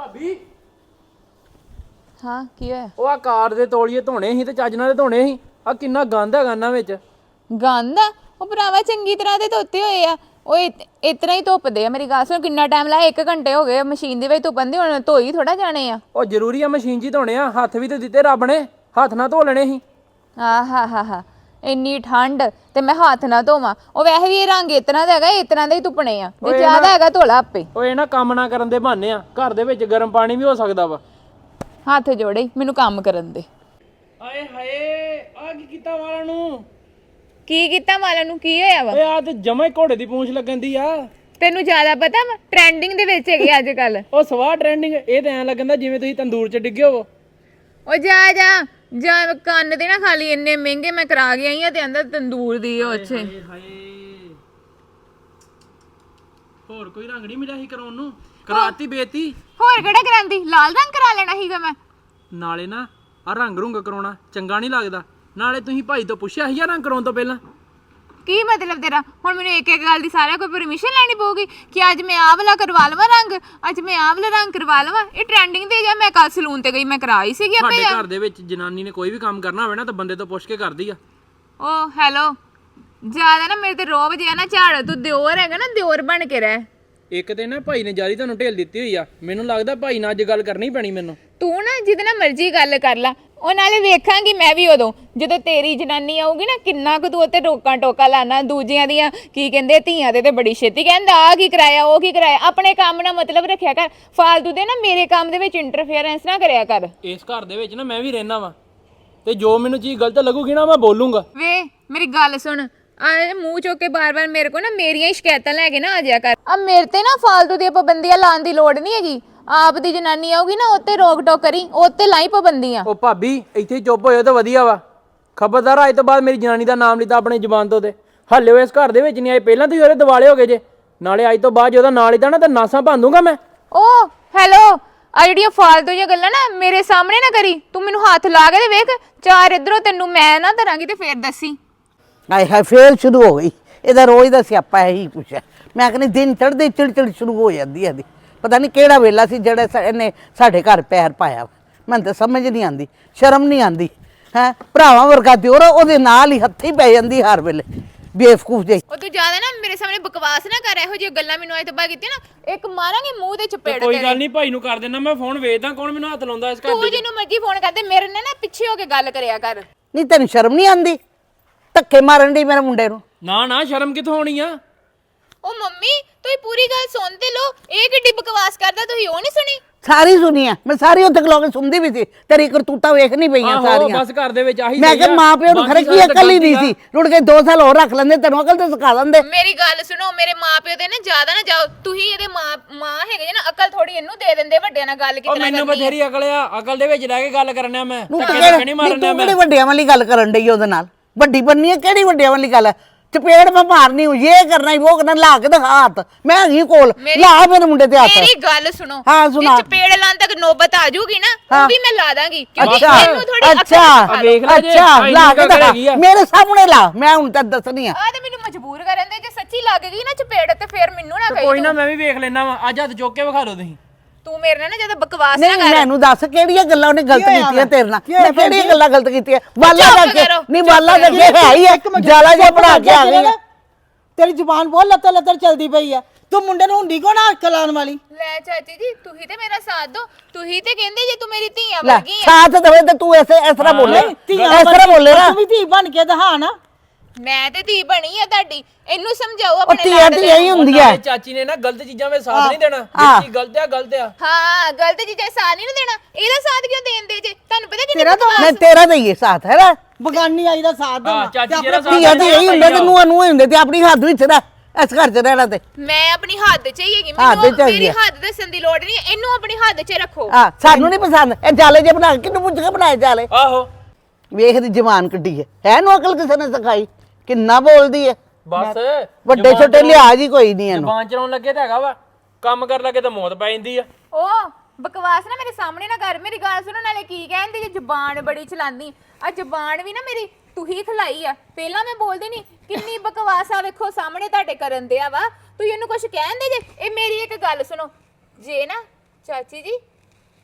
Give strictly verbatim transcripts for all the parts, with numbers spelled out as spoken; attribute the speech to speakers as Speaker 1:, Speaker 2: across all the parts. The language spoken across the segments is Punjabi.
Speaker 1: ਭਾਬੀ
Speaker 2: ਹਾਂ ਕੀ ਹੋਇਆ?
Speaker 1: ਉਹ ਆ ਕਾਰ ਦੇ ਤੋਲੀਏ ਧੋਣੇ ਸੀ ਤੇ ਚੱਜ ਨਾਲ ਧੋਣੇ ਸੀ। ਆ ਕਿੰਨਾ ਗੰਦ ਹੈਗਾ ਇਹਨਾਂ ਵਿੱਚ।
Speaker 2: ਗੰਦ ਆ ਉਹ ਭਰਾਵਾ ਚੰਗੀ ਤਰ੍ਹਾਂ ਦੇ ਧੋਤੇ ਹੋਏ ਆ। ਉਹ ਇਤਨਾ ਹੀ ਧੁੱਪਦੇ ਆ। ਮੇਰੀ ਗੱਲ ਸੁਣ, ਕਿੰਨਾ ਟਾਈਮ ਲਾਇਆ? ਇੱਕ ਘੰਟੇ ਹੋ ਗਏ ਮਸ਼ੀਨ ਦੇ ਵਿੱਚ ਧੁੱਪਣ ਦੇ। ਹੁਣ ਧੋਈ ਥੋੜਾ ਜਾਣੇ ਆ।
Speaker 1: ਉਹ ਜ਼ਰੂਰੀ ਆ ਮਸ਼ੀਨ 'ਚ ਹੀ ਧੋਣੇ ਆ। ਹੱਥ ਵੀ ਤੇ ਦਿੱਤੇ ਰੱਬ ਨੇ, ਹੱਥ ਨਾਲ ਧੋ ਲੈਣੇ ਸੀ।
Speaker 2: ਆ ਹਾ ਹਾ ਹਾ ਇੰਨੀ ਠੰਡ ਤੇ ਮੈਂ ਹੱਥ ਨਾ ਧੋਵਾਂ? ਉਹ ਵੈਸੇ ਵੀ ਇਹ ਰੰਗ ਇਤਨਾ ਦਾ ਹੈਗਾ, ਇਤਨਾ ਦੇ ਹੀ ਧੁੱਪਣੇ ਆ। ਜੇ ਜ਼ਿਆਦਾ ਹੈਗਾ ਧੋਲਾ ਆਪੇ।
Speaker 1: ਉਹ ਇਹ ਨਾ ਕੰਮ ਨਾ ਕਰਨ ਦੇ ਬਹਾਨੇ ਆ। ਘਰ ਦੇ ਵਿੱਚ ਗਰਮ ਪਾਣੀ ਵੀ ਹੋ ਸਕਦਾ ਵਾ।
Speaker 2: ਹੱਥ ਜੋੜੇ ਮੈਨੂੰ ਕੰਮ ਕਰਨ ਦੇ।
Speaker 1: ਆਏ ਹਾਏ, ਆ ਕੀ ਕੀਤਾ ਵਾਲਾਂ ਨੂੰ?
Speaker 2: ਕੀ ਕੀਤਾ ਵਾਲਾਂ ਨੂੰ? ਕੀ ਹੋਇਆ ਵਾ?
Speaker 1: ਓਏ ਆ ਤੇ ਜਮਾ ਹੀ ਘੋੜੇ ਦੀ ਪੂੰਛ ਲੱਗਣ ਦੀ ਆ।
Speaker 2: ਤੈਨੂੰ ਜ਼ਿਆਦਾ ਪਤਾ ਵਾ? ਟ੍ਰੈਂਡਿੰਗ ਦੇ ਵਿੱਚ ਹੈਗੇ ਅੱਜ ਕੱਲ।
Speaker 1: ਉਹ ਸਵਾਹ ਟ੍ਰੈਂਡਿੰਗ। ਇਹ ਤਾਂ ਐਂ ਲੱਗਦਾ ਜਿਵੇਂ ਤੁਸੀਂ ਤੰਦੂਰ 'ਚ ਡਿੱਗੇ ਹੋਵੋ।
Speaker 2: ਉਹ ਜਾ ਜਾ ਜਾ, ਕੰਨ ਤੇ ਨਾ ਖਾਲੀ। ਇੰਨੇ ਮਹਿੰਗੇ ਮੈਂ ਕਰਾ ਕੇ ਆਈ ਆ ਤੇ ਅੰਦਰ ਤੰਦੂਰ ਦੀ ਉਹ ਅੱਛੇ।
Speaker 1: ਹਾਏ, ਹੋਰ ਕੋਈ ਰੰਗ ਨਹੀਂ ਮਿਲਿਆ ਸੀ ਕਰਾਉਣ ਨੂੰ? ਕਰਾਤੀ ਬੇਤੀ।
Speaker 2: ਹੋਰ ਕਿਹੜਾ ਕਰਾਂਦੀ? ਲਾਲ ਰੰਗ ਕਰਾ ਲੈਣਾ ਸੀਗਾ ਮੈਂ।
Speaker 1: ਨਾਲੇ ਨਾ ਆ ਰੰਗ ਰੁੰਗ ਕਰਾਉਣਾ ਚੰਗਾ ਨਹੀਂ ਲੱਗਦਾ। ਨਾਲੇ ਤੁਸੀਂ ਭਾਈ ਤੋਂ ਪੁੱਛਿਆ ਸੀ ਜਾਂ ਰੰਗ ਕਰਾਉਣ ਤੋਂ ਪਹਿਲਾਂ?
Speaker 2: ਕੀ ਮਤਲਬ ਤੇਰਾ? ਹੁਣ ਮੈਨੂੰ ਇੱਕ ਇੱਕ ਗੱਲ ਦੀ ਸਾਰਿਆਂ ਕੋਈ ਪਰਮਿਸ਼ਨ ਲੈਣੀ ਪਊਗੀ ਕਿ ਅੱਜ ਮੈਂ ਆਹ ਵਾਲਾ ਕਰਵਾ ਲਵਾਂ ਰੰਗ, ਅੱਜ ਮੈਂ ਆਹ ਵਾਲਾ ਰੰਗ ਕਰਵਾ ਲਵਾਂ? ਇਹ ਟ੍ਰੈਂਡਿੰਗ ਤੇ ਜਾਂ ਮੈਂ ਕੱਲ ਸਲੂਨ ਤੇ ਗਈ, ਮੈਂ ਕਰਾਈ ਸੀਗੀ ਆਪੇ।
Speaker 1: ਸਾਡੇ ਘਰ ਦੇ ਵਿੱਚ ਜਨਾਨੀ ਨੇ ਕੋਈ ਵੀ ਕੰਮ ਕਰਨਾ ਹੋਵੇ ਨਾ ਤਾਂ ਬੰਦੇ ਤੋਂ ਪੁੱਛ ਕੇ ਕਰਦੀ ਆ।
Speaker 2: ਓ ਹੈਲੋ, ਜ਼ਿਆਦਾ ਨਾ ਮੇਰੇ ਤੇ ਰੋਬ ਜਿਆ ਨਾ ਝਾੜ। ਤੂੰ ਦਿਓਰ ਹੈਗਾ ਨਾ, ਦਿਓਰ ਬਣ ਕੇ ਰਹਿ।
Speaker 1: ਇੱਕ ਤੇ ਨਾ ਭਾਈ ਨੇ ਜਾਰੀ ਤੁਹਾਨੂੰ ਢੇਲ ਦਿੱਤੀ ਹੋਈ ਆ। ਮੈਨੂੰ ਲੱਗਦਾ ਭਾਈ ਨਾਲ ਅੱਜ ਗੱਲ ਕਰਨੀ ਪੈਣੀ ਮੈਨੂੰ।
Speaker 2: ਤੂੰ ਨਾ ਜਿਹਦੇ ਨਾਲ ਮਰਜ਼ੀ ਗੱਲ ਕਰ ਲਾ। ਉਹ ਨਾਲੇ ਵੇਖਾਂਗੀ ਮੈਂ ਵੀ ਉਦੋਂ ਜਦੋਂ ਤੇਰੀ ਜਨਾਨੀ ਆਊਗੀ ਨਾ, ਕਿੰਨਾ ਕੁ ਤੂੰ ਉੱਤੇ ਰੋਕਾਂ ਟੋਕਾ ਲਾਣਾ। ਦੂਜਿਆਂ ਦੀਆਂ ਕੀ ਕਹਿੰਦੇ ਧੀਆਂ ਦੇ ਤੇ ਬੜੀ ਛੇਤੀ ਕਹਿੰਦਾ ਆ ਕੀ ਕਰਾਇਆ, ਉਹ ਕੀ ਕਰਾਇਆ। ਆਪਣੇ ਕੰਮ ਨਾਲ ਮਤਲਬ ਰੱਖਿਆ ਕਰ। ਫਾਲਤੂ ਦੇ ਨਾ ਮੇਰੇ ਕੰਮ ਦੇ ਵਿੱਚ ਇੰਟਰਫੇਰੈਂਸ ਨਾ ਕਰਿਆ ਕਰ।
Speaker 1: ਇਸ ਘਰ ਦੇ ਵਿੱਚ ਨਾ ਮੈਂ ਵੀ ਰਹਿਣਾ ਵਾ ਤੇ ਜੋ ਮੈਨੂੰ ਚੀਜ਼ ਗਲਤ ਲੱਗੂਗੀ ਨਾ ਮੈਂ ਬੋਲੂੰਗਾ।
Speaker 2: ਵੇ ਮੇਰੀ ਗੱਲ ਸੁਣ, ਆ ਮੂੰਹ ਚੁੱਕ ਕੇ ਬਾਰ-ਬਾਰ ਮੇਰੇ ਕੋ ਨਾ ਮੇਰੀਆਂ ਹੀ ਸ਼ਿਕਾਇਤਾਂ ਲੈ ਕੇ ਨਾ ਆ ਜਾਇਆ ਕਰ। ਆ ਮੇਰੇ ਤੇ ਨਾ ਫਾਲਤੂ ਦੀਆਂ ਪਾਬੰਦੀਆਂ ਲਾਉਣ ਦੀ ਲੋੜ ਨਹੀਂ ਹੈਗੀ। ਆਪ ਦੀ ਜਨਾਨੀ ਆਊਗੀ ਨਾ, ਉੱਤੇ ਰੋਕ ਟੋਕ ਕਰੀ, ਉੱਤੇ ਲਾਈ ਪਾਬੰਦੀਆਂ।
Speaker 1: ਉਹ ਭਾਬੀ ਇੱਥੇ ਚੁੱਪ ਹੋਇਓ ਤਾਂ ਵਧੀਆ ਵਾ। ਖਬਰਦਾਰ ਅੱਜ ਤੋਂ ਬਾਅਦ ਮੇਰੀ ਜਨਾਨੀ ਦਾ ਨਾਮ ਲਿੱਤਾ ਆਪਣੀ ਜ਼ੁਬਾਨ ਤੋਂ ਤੇ ਹੱਲੇ ਉਹ ਇਸ ਘਰ ਦੇ ਵਿੱਚ ਨਹੀਂ ਆਏ। ਪਹਿਲਾਂ ਤੁਸੀਂ ਉਹਦੇ ਦਿਵਾਲੇ ਹੋ ਗਏ ਜੇ, ਨਾਲੇ ਅੱਜ ਤੋਂ ਬਾਅਦ ਜੇ ਉਹਦਾ ਨਾਂ ਲਿੱਤਾ ਨਾ ਤਾਂ ਨਾਸਾਂ ਭੰਦੂਗਾ ਮੈਂ।
Speaker 2: ਓ ਹੈਲੋ, ਆ ਜਿਹੜੀਆਂ ਫਾਲਤੂ ਜਿਹੀਆਂ ਗੱਲਾਂ ਨਾ ਮੇਰੇ ਸਾਹਮਣੇ ਨਾ ਕਰੀ। ਤੂੰ ਮੈਨੂੰ ਹੱਥ ਲਾ ਕੇ ਤੇ ਵੇਖ, ਚਾਰ ਇਧਰੋਂ ਤੈਨੂੰ ਮੈਂ ਨਾ ਧਰਾਂਗੀ ਤੇ ਫੇਰ ਦੱਸੀ।
Speaker 3: ਆਏ ਹਾਏ, ਫੇਰ ਸ਼ੁਰੂ ਹੋ ਗਈ। ਇਹਦਾ ਰੋਜ਼ ਦਾ ਸਿਆਪਾ ਇਹੀ ਕੁਛ ਹੈ। ਮੈਂ ਕਹਿੰਦੀ ਦਿਨ ਚੜ੍ਹਦੇ ਚਿੜਚਿੜ ਸ਼ੁਰੂ ਹੋ ਜਾਂਦੀ ਹੈ। ਪਤਾ ਨਹੀਂ ਕਿਹੜਾ ਵੇਲਾ ਸੀ ਜਿਹੜਾ ਇਹਨੇ ਸਾਡੇ ਘਰ ਪੈਰ ਪਾਇਆ। ਮੈਨੂੰ ਤਾਂ ਸਮਝ ਨਹੀਂ ਆਉਂਦੀ, ਸ਼ਰਮ ਨਹੀਂ ਆਉਂਦੀ ਹੈ। ਭਰਾਵਾਂ ਵਰਗਾ ਦਿਓਰ ਉਹਦੇ ਨਾਲ ਹੀ ਹੱਥੀ ਪੈ ਜਾਂਦੀ ਹਰ ਵੇਲੇ, ਬੇਵਕੂਫ ਜਿਹੀ।
Speaker 2: ਉਹ ਤੂੰ ਜ਼ਿਆਦਾ ਨਾ ਮੇਰੇ ਸਾਹਮਣੇ ਬਕਵਾਸ ਨਾ ਕਰ। ਇਹੋ ਜਿਹੀਆਂ ਗੱਲਾਂ ਮੈਨੂੰ ਅੱਜ ਤੋਂ ਬਾਅਦ ਕੀਤੀਆਂ ਨਾ, ਇੱਕ ਮਾਰਾਂਗੇ ਮੂੰਹ ਦੇ ਚਪੇੜ ਤੇਰੇ।
Speaker 1: ਕੋਈ ਗੱਲ ਨਹੀਂ, ਭਾਈ ਨੂੰ ਕਰ ਦੇਣਾ ਮੈਂ ਫੋਨ। ਵੇਚਦਾ ਕੌਣ ਮੈਨੂੰ ਹੱਥ ਲਾਉਂਦਾ ਇਸ ਘਰ
Speaker 2: ਤੂੰ ਜਿਹਨੂੰ ਮਰਜ਼ੀ ਫੋਨ ਕਰਦੇ, ਮੇਰੇ ਨਾਲ ਨਾ ਪਿੱਛੇ ਹੋ ਕੇ ਗੱਲ ਕਰਿਆ ਕਰ।
Speaker 3: ਨਹੀਂ ਤੈਨੂੰ ਸ਼ਰਮ ਨਹੀਂ ਆਉਂਦੀ? ਧੱਕੇ ਮਾਰਨ ਦੀ ਮੇਰੇ ਮੁੰਡੇ ਨੂੰ।
Speaker 1: ਨਾ ਨਾ, ਸ਼ਰਮ ਕਿੱਥੋਂ ਆਉਣੀ ਆ?
Speaker 2: ਉਹ ਮੰਮੀ ਤੁਸੀਂ ਪੂਰੀ ਗੱਲ ਸੁਣਦੇ ਲੋ। ਇਹ ਕਿੱਡੀ ਬਕਵਾਸ ਕਰਦਾ, ਤੁਸੀਂ ਉਹ ਨਹੀਂ ਸੁਣੀ?
Speaker 3: ਸਾਰੀ ਸੁਣੀ ਆ ਮੈਂ, ਸਾਰੀ ਉੱਥੇ ਖਲੋ ਕੇ ਸੁਣਦੀ ਵੀ ਸੀ। ਤੇਰੀ ਕਰਤੂਤਾਂ ਵੇਖ ਨਹੀਂ ਪਈਆਂ
Speaker 1: ਆਹੋ,
Speaker 3: ਸਾਰੀਆਂ।
Speaker 1: ਬਸ ਘਰ ਦੇ ਵਿੱਚ ਆਹੀ
Speaker 3: ਮੈਂ ਕਿਹਾ ਮਾਂ ਪਿਓ ਨੂੰ ਖਰੇ ਕੀ ਅਕਲ ਹੀ ਨਹੀਂ ਸੀ। ਰੁੜ ਕੇ ਦੋ ਸਾਲ ਹੋਰ ਰੱਖ ਲੈਂਦੇ, ਤੈਨੂੰ ਅਕਲ ਤੇ ਸਿਖਾ ਦਿੰਦੇ।
Speaker 2: ਮੇਰੀ ਗੱਲ ਸੁਣੋ, ਮੇਰੇ ਮਾਪਿਓ ਤੇ ਨਾ ਜ਼ਿਆਦਾ ਨਾ ਜਾਓ। ਤੁਸੀਂ ਇਹਦੇ ਮਾਂ ਮਾਂ ਹੈਗੇ ਜੇ ਨਾ, ਅਕਲ ਥੋੜੀ ਇਹਨੂੰ ਦੇ ਦਿੰਦੇ। ਵੱਡਿਆਂ ਨਾਲ ਗੱਲ ਕਿਤਨਾ ਕਰਨੀ।
Speaker 1: ਮੈਨੂੰ ਬਥੇਰੀ ਅਕਲ ਆ। ਅਕਲ ਦੇ ਵਿੱਚ ਰਹਿ ਕੇ ਗੱਲ ਕਰਨਿਆ ਮੈਂ।
Speaker 3: ਤੂੰ
Speaker 1: ਧੱਕੇ ਧੱਕੇ ਨਹੀਂ ਮਾਰਨਿਆ ਮੈਂ।
Speaker 3: ਕਿਹੜੀ ਵੱਡਿਆਂ ਵਾਲੀ ਗੱਲ ਕਰਨ ਡਈ ਉਹਦੇ ਨਾਲ? ਵੱਡੀ ਬੰਨੀ ਹੈ, ਕਿਹੜੀ ਵੱਡਿਆਂ ਵਾਲੀ ਗੱਲ ਹੈ? ਚਪੇੜ ਮੈਂ ਮਾਰਨੀ ਹੂੰ, ਇਹ ਕਰਨਾ ਹੀ ਉਹ ਕਰਨਾ। ਲਾ ਕੇ ਦਿਖਾ ਹੱਥ, ਮੈਂ ਹੈਗੀ ਕੋਲ। ਲਾ ਮੇਰੇ ਮੁੰਡੇ ਤੇ ਹੱਥ।
Speaker 2: ਮੇਰੀ ਗੱਲ ਸੁਣੋ,
Speaker 3: ਹਾਂ ਸੁਣਾ।
Speaker 2: ਜੇ ਚਪੇੜ ਲਾਉਣ ਤੱਕ ਨੌਬਤ ਆ ਜੂਗੀ ਨਾ, ਉਹ ਵੀ ਮੈਂ ਲਾ ਦਾਂਗੀ। ਕਿਉਂਕਿ
Speaker 3: ਅੱਛਾ
Speaker 2: ਇਹਨੂੰ ਥੋੜੀ ਅਕਲ
Speaker 3: ਅੱਛਾ
Speaker 1: ਵੇਖ ਲੈ ਜੇ
Speaker 3: ਅੱਛਾ,
Speaker 1: ਭਾਈ
Speaker 3: ਲਾ
Speaker 1: ਨੂੰ
Speaker 3: ਕੇ
Speaker 1: ਅਕਲ
Speaker 3: ਦਿਖਾ
Speaker 1: ਹੈਗੀ ਆ।
Speaker 3: ਮੇਰੇ ਸਾਹਮਣੇ ਲਾ, ਮੈਂ ਹੁਣ ਤੱਕ ਦੱਸਣੀ ਆ।
Speaker 2: ਆ ਤੇ ਮੈਨੂੰ ਮਜਬੂਰ ਕਰਨ ਦੇ। ਜੇ ਸੱਚੀ ਲੱਗ ਗਈ ਨਾ ਚਪੇੜ ਤੇ ਫੇਰ ਮੈਨੂੰ ਨਾ ਕਹੀ।
Speaker 1: ਕੋਈ ਨਾ, ਮੈਂ ਵੀ ਵੇਖ ਲੈਣਾ ਵਾ। ਅੱਜ ਹੱਥ ਚੁੱਕ ਕੇ ਵਿਖਾ ਲਓ ਤੁਸੀਂ।
Speaker 2: ਤੂੰ ਮੇਰੇ ਨਾਲ ਨਾ ਜਦੋਂ ਬਕਵਾਸ ਨਾ
Speaker 3: ਨਹੀਂ
Speaker 2: ਕਰ।
Speaker 3: ਮੈਨੂੰ ਦੱਸ ਕਿਹੜੀਆਂ ਗੱਲਾਂ ਉਹਨੇ ਗਲਤ ਕੀਤੀਆਂ ਤੇਰੇ ਨਾਲ? ਮੈਂ ਕਿਹੜੀਆਂ ਗੱਲਾਂ ਗਲਤ ਕੀਤੀਆਂ? ਵਾਲਾ
Speaker 2: ਚੁੱਪ
Speaker 3: ਕਰਕੇ
Speaker 2: ਕਰੋ,
Speaker 3: ਨਹੀਂ, ਵਾਲਾ ਕਰਕੇ ਹੈ ਹੀ ਹੈ। ਜਾਲਾ ਜਿਹਾ ਬਣਾ ਕੇ ਆ ਗਈ।
Speaker 4: ਤੇਰੀ ਜ਼ੁਬਾਨ ਬਹੁਤ ਲੱਤਰ ਲੱਤਰ ਚੱਲਦੀ ਪਈ ਆ। ਤੂੰ ਮੁੰਡੇ ਨੂੰ ਹੁੰਡੀ ਕੋ ਨਾ ਅੱਖ ਲਾਉਣ ਵਾਲੀ।
Speaker 2: ਲੈ ਚਾਚੀ ਜੀ, ਤੁਸੀਂ ਤੇ ਮੇਰਾ ਸਾਥ ਦੋ। ਤੁਸੀਂ ਤੇ ਕਹਿੰਦੇ ਜੇ ਤੂੰ ਮੇਰੀ ਧੀਆ
Speaker 3: ਲੈ
Speaker 2: ਵਰਗੀ ਆ।
Speaker 3: ਸਾਥ ਦੇਵੇ ਤੇ ਤੂੰ ਐਸੇ ਇਸ ਤਰ੍ਹਾਂ ਬੋਲੇ, ਇਸ ਤਰ੍ਹਾਂ ਬੋਲੇ ਨਾ।
Speaker 4: ਤੂੰ ਵੀ ਧੀ ਬਣ ਕੇ ਦਿਖਾ ਨਾ।
Speaker 2: ਮੈਂ ਤੇ ਧੀ ਬਣੀ ਆ ਤੁਹਾਡੀ। ਇਹਨੂੰ ਸਮਝਾਓ
Speaker 3: ਉਹ
Speaker 2: ਆਪਣੇ
Speaker 3: ਧੀਆਂ ਧੀਆਂ ਹੀ ਹੁੰਦੀ ਹੈ।
Speaker 1: ਚਾਚੀ ਨੇ ਨਾ ਗਲਤ ਚੀਜ਼ਾਂ ਵਿੱਚ ਸਾਥ ਨਹੀਂ ਦੇਣਾ। ਇਹ ਚੀਜ਼ ਗਲਤ ਆ, ਗਲਤ ਆ।
Speaker 2: ਹਾਂ, ਗਲਤ ਚੀਜ਼ਾਂ ਸਾਥ ਨਹੀਂ ਦੇਣਾ। ਇਹਦਾ ਸਾਥ ਕਿਉਂ ਦੇਣ ਦੇ ਜੇ? ਤੁਹਾਨੂੰ ਪਤਾ ਕਿ
Speaker 4: ਤੇਰਾ ਤਾਂ
Speaker 3: ਮੈਂ ਤੇਰਾ ਦਈਏ ਸਾਥ ਹੈ ਨਾ।
Speaker 4: ਬਗਾਨੀ ਆਈ ਦਾ ਸਾਥ
Speaker 1: ਹਾਂ,
Speaker 4: ਦੇਣਾ।
Speaker 1: ਚਾਚੀ ਜਿਹੜਾ ਸਾਥ
Speaker 3: ਧੀਆਂ ਧੀਆਂ ਹੀ ਹੁੰਦੇ ਤੇ ਨੂੰਹਾਂ ਨੂੰਹਾਂ ਹੀ ਹੁੰਦੇ ਤੇ ਆਪਣੀ ਹੱਦ ਵਿੱਚ ਰਹਿ, ਇਸ ਘਰ 'ਚ ਰਹਿਣਾ ਤੇ।
Speaker 2: ਮੈਂ ਆਪਣੀ ਹੱਦ 'ਚ ਹੀ ਹੈਗੀ।
Speaker 3: ਹੱਦ 'ਚ
Speaker 2: ਮੈਨੂੰ
Speaker 3: ਹੈਗੀ
Speaker 2: ਮੇਰੀ
Speaker 3: ਆ।
Speaker 2: ਹੱਦ ਦੱਸਣ ਦੀ ਲੋੜ ਨਹੀਂ। ਇਹਨੂੰ ਆਪਣੀ ਹੱਦ 'ਚ ਰੱਖੋ।
Speaker 3: ਹਾਂ ਸਾਨੂੰ ਨਹੀਂ ਪਸੰਦ ਇਹ ਜਾਲੇ ਜੇ ਬਣਾ ਕੇ। ਕਿਹਨੂੰ ਪੁੱਛ ਕੇ ਬਣਾਏ ਜਾਲੇ?
Speaker 1: ਆਹੋ,
Speaker 3: ਵੇਖਦੀ ਜਵਾਨ ਕੱਢੀ ਹੈ। ਹੈ ਨੂੰ ਅਕਲ ਕਿਸੇ ਨੇ ਸਿਖਾਈ? ਕਿੰਨਾ ਬੋਲਦੀ ਹੈ।
Speaker 1: ਬਸ
Speaker 3: ਵੱਡੇ ਛੋਟੇ ਲਿਹਾਜ਼ ਹੀ ਕੋਈ ਨਹੀਂ ਇਹਨੂੰ।
Speaker 1: ਜ਼ਬਾਨ ਚਲਾਉਣ ਲੱਗੇ ਤਾਂ ਹੈਗਾ ਵਾ, ਕੰਮ ਕਰਨ ਲੱਗੇ ਤਾਂ ਮੌਤ ਪੈ ਜਾਂਦੀ ਆ।
Speaker 2: ਉਹ ਬਕਵਾਸ ਨਾ ਮੇਰੇ ਸਾਹਮਣੇ ਨਾ ਕਰ। ਮੇਰੀ ਗੱਲ ਸੁਣੋ, ਨਾਲੇ ਕੀ ਕਹਿੰਦੇ ਜੇ ਜ਼ੁਬਾਨ ਬੜੀ ਚਲਾਉਂਦੀ। ਆ ਜ਼ੁਬਾਨ ਵੀ ਨਾ ਮੇਰੀ ਤੂੰ ਹੀ ਖਲਾਈ ਆ। ਪਹਿਲਾਂ ਮੈਂ ਬੋਲਦੀ ਨਹੀਂ। ਕਿੰਨੀ ਬਕਵਾਸ ਆ ਵੇਖੋ ਸਾਹਮਣੇ ਤੁਹਾਡੇ ਕਰਨ ਦਿਆ ਵਾ। ਤੂੰ ਇਹਨੂੰ ਕੁਝ ਕਹਿੰਦੇ ਜੇ? ਇਹ ਮੇਰੀ ਇੱਕ ਗੱਲ ਸੁਣੋ, ਜੇ ਨਾ ਚਾਚੀ ਜੀ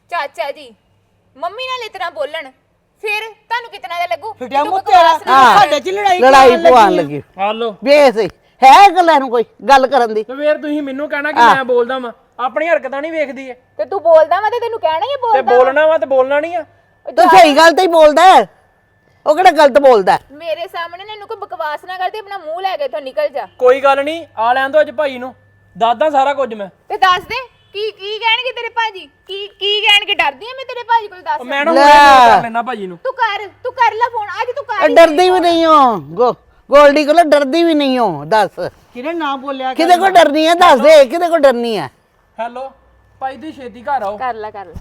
Speaker 2: ਚਾਚਾ ਜੀ ਮੰਮੀ ਨਾਲ ਇਤਨਾ ਬੋਲਣ ਫਿਰ ਤੁਹਾਨੂੰ ਕਿਤਨਾ ਦਾ ਲੱਗੂ
Speaker 4: ਫਿਟਿਆ
Speaker 2: ਤੂੰ
Speaker 4: ਮੂੰਹ
Speaker 2: ਬਕਵਾਸ
Speaker 4: ਤੇਰਾ
Speaker 2: ਨਾ ਕਰ।
Speaker 4: ਸਾਡੇ ਚ ਲੜਾਈ
Speaker 3: ਲੜਾਈ
Speaker 4: ਕਰਨ
Speaker 3: ਪਵਾਉਣ
Speaker 4: ਲੱਗੀ
Speaker 3: ਲੱਗੀ
Speaker 1: ਹਾਲੋ
Speaker 3: ਵੇਖ ਹੈ ਗੱਲਾਂ ਨੂੰ ਕੋਈ ਗੱਲ ਕਰਨ ਦੀ
Speaker 1: ਤੇ ਫੇਰ ਤੁਸੀਂ ਮੈਨੂੰ ਕਹਿਣਾ ਕਿ ਮੈਂ ਬੋਲਦਾ ਵਾਂ ਆਪਣੀ ਹਰਕਤਾਂ ਨਹੀਂ ਵੇਖਦੀ ਏ
Speaker 2: ਤੇ ਤੂੰ ਬੋਲਦਾ ਵਾ ਤੇ ਤੈਨੂੰ ਕਹਿਣਾ ਹੀ ਆ
Speaker 1: ਤੇ
Speaker 2: ਬੋਲਦਾ
Speaker 1: ਬੋਲਣਾ ਵਾ ਤੇ ਬੋਲਣਾ ਨਹੀਂ ਆ
Speaker 3: ਤੂੰ ਸਹੀ ਗੱਲ ਤੇ ਹੀ ਬੋਲਦਾ ਹੈ। ਉਹ ਕਿਹੜਾ ਗਲਤ ਬੋਲਦਾ ਹੈ?
Speaker 2: ਮੇਰੇ ਸਾਹਮਣੇ ਨਾ ਇਹਨੂੰ ਕੋਈ ਬਕਵਾਸ ਨਾ ਕਰਦੀ ਆਪਣਾ ਮੂੰਹ ਲੈ ਕੇ ਇੱਥੋਂ ਨਿਕਲ ਜਾ
Speaker 1: ਕੋਈ ਗੱਲ ਨਹੀਂ ਆ ਲੈਣ ਦੋ ਅੱਜ ਭਾਈ ਨੂੰ ਦੱਸਦਾ ਸਾਰਾ ਕੁਝ ਮੈਂ
Speaker 2: ਤੇ ਦੱਸ ਦੇ ਕੀ ਕੀ ਕਹਿਣਗੇ ਤੇਰੇ ਭਾਜੀ ਕੀ ਕੀ ਕਹਿਣਗੇ ਡਰਦੀ ਆ ਮੈਂ ਤੇਰੇ ਭਾਜੀ ਕੋਲ ਦੱਸ
Speaker 1: ਮੈਂ ਨਾ ਹੁਣੇ ਫੋਨ ਕਰ ਲੈਣਾ ਭਾਜੀ ਨੂੰ
Speaker 2: ਤੂੰ ਕਰ ਤੂੰ ਕਰ ਲੈ ਫੋਨ ਅੱਜ ਤੂੰ ਕਰ ਹੀ
Speaker 3: ਡਰਦੀ ਵੀ ਨਹੀਂ ਹੋ ਗੋ ਗੋਲਡੀ ਕੋਲ ਡਰਦੀ ਵੀ ਨਹੀਂ ਹੋ ਦੱਸ
Speaker 4: ਕਿਹਨੇ ਨਾ ਬੋਲਿਆ ਕਰ।
Speaker 3: ਕਿਹਦੇ ਕੋਲ ਡਰਨੀ ਹੈ ਦੱਸ ਦੇ ਕਿਹਦੇ ਕੋਲ ਡਰਨੀ ਹੈ
Speaker 1: ਹੈਲੋ ਭਾਈ ਤੁਸੀਂ ਛੇਤੀ ਘਰ ਆਓ
Speaker 2: ਕਰ ਲੈ ਕਰ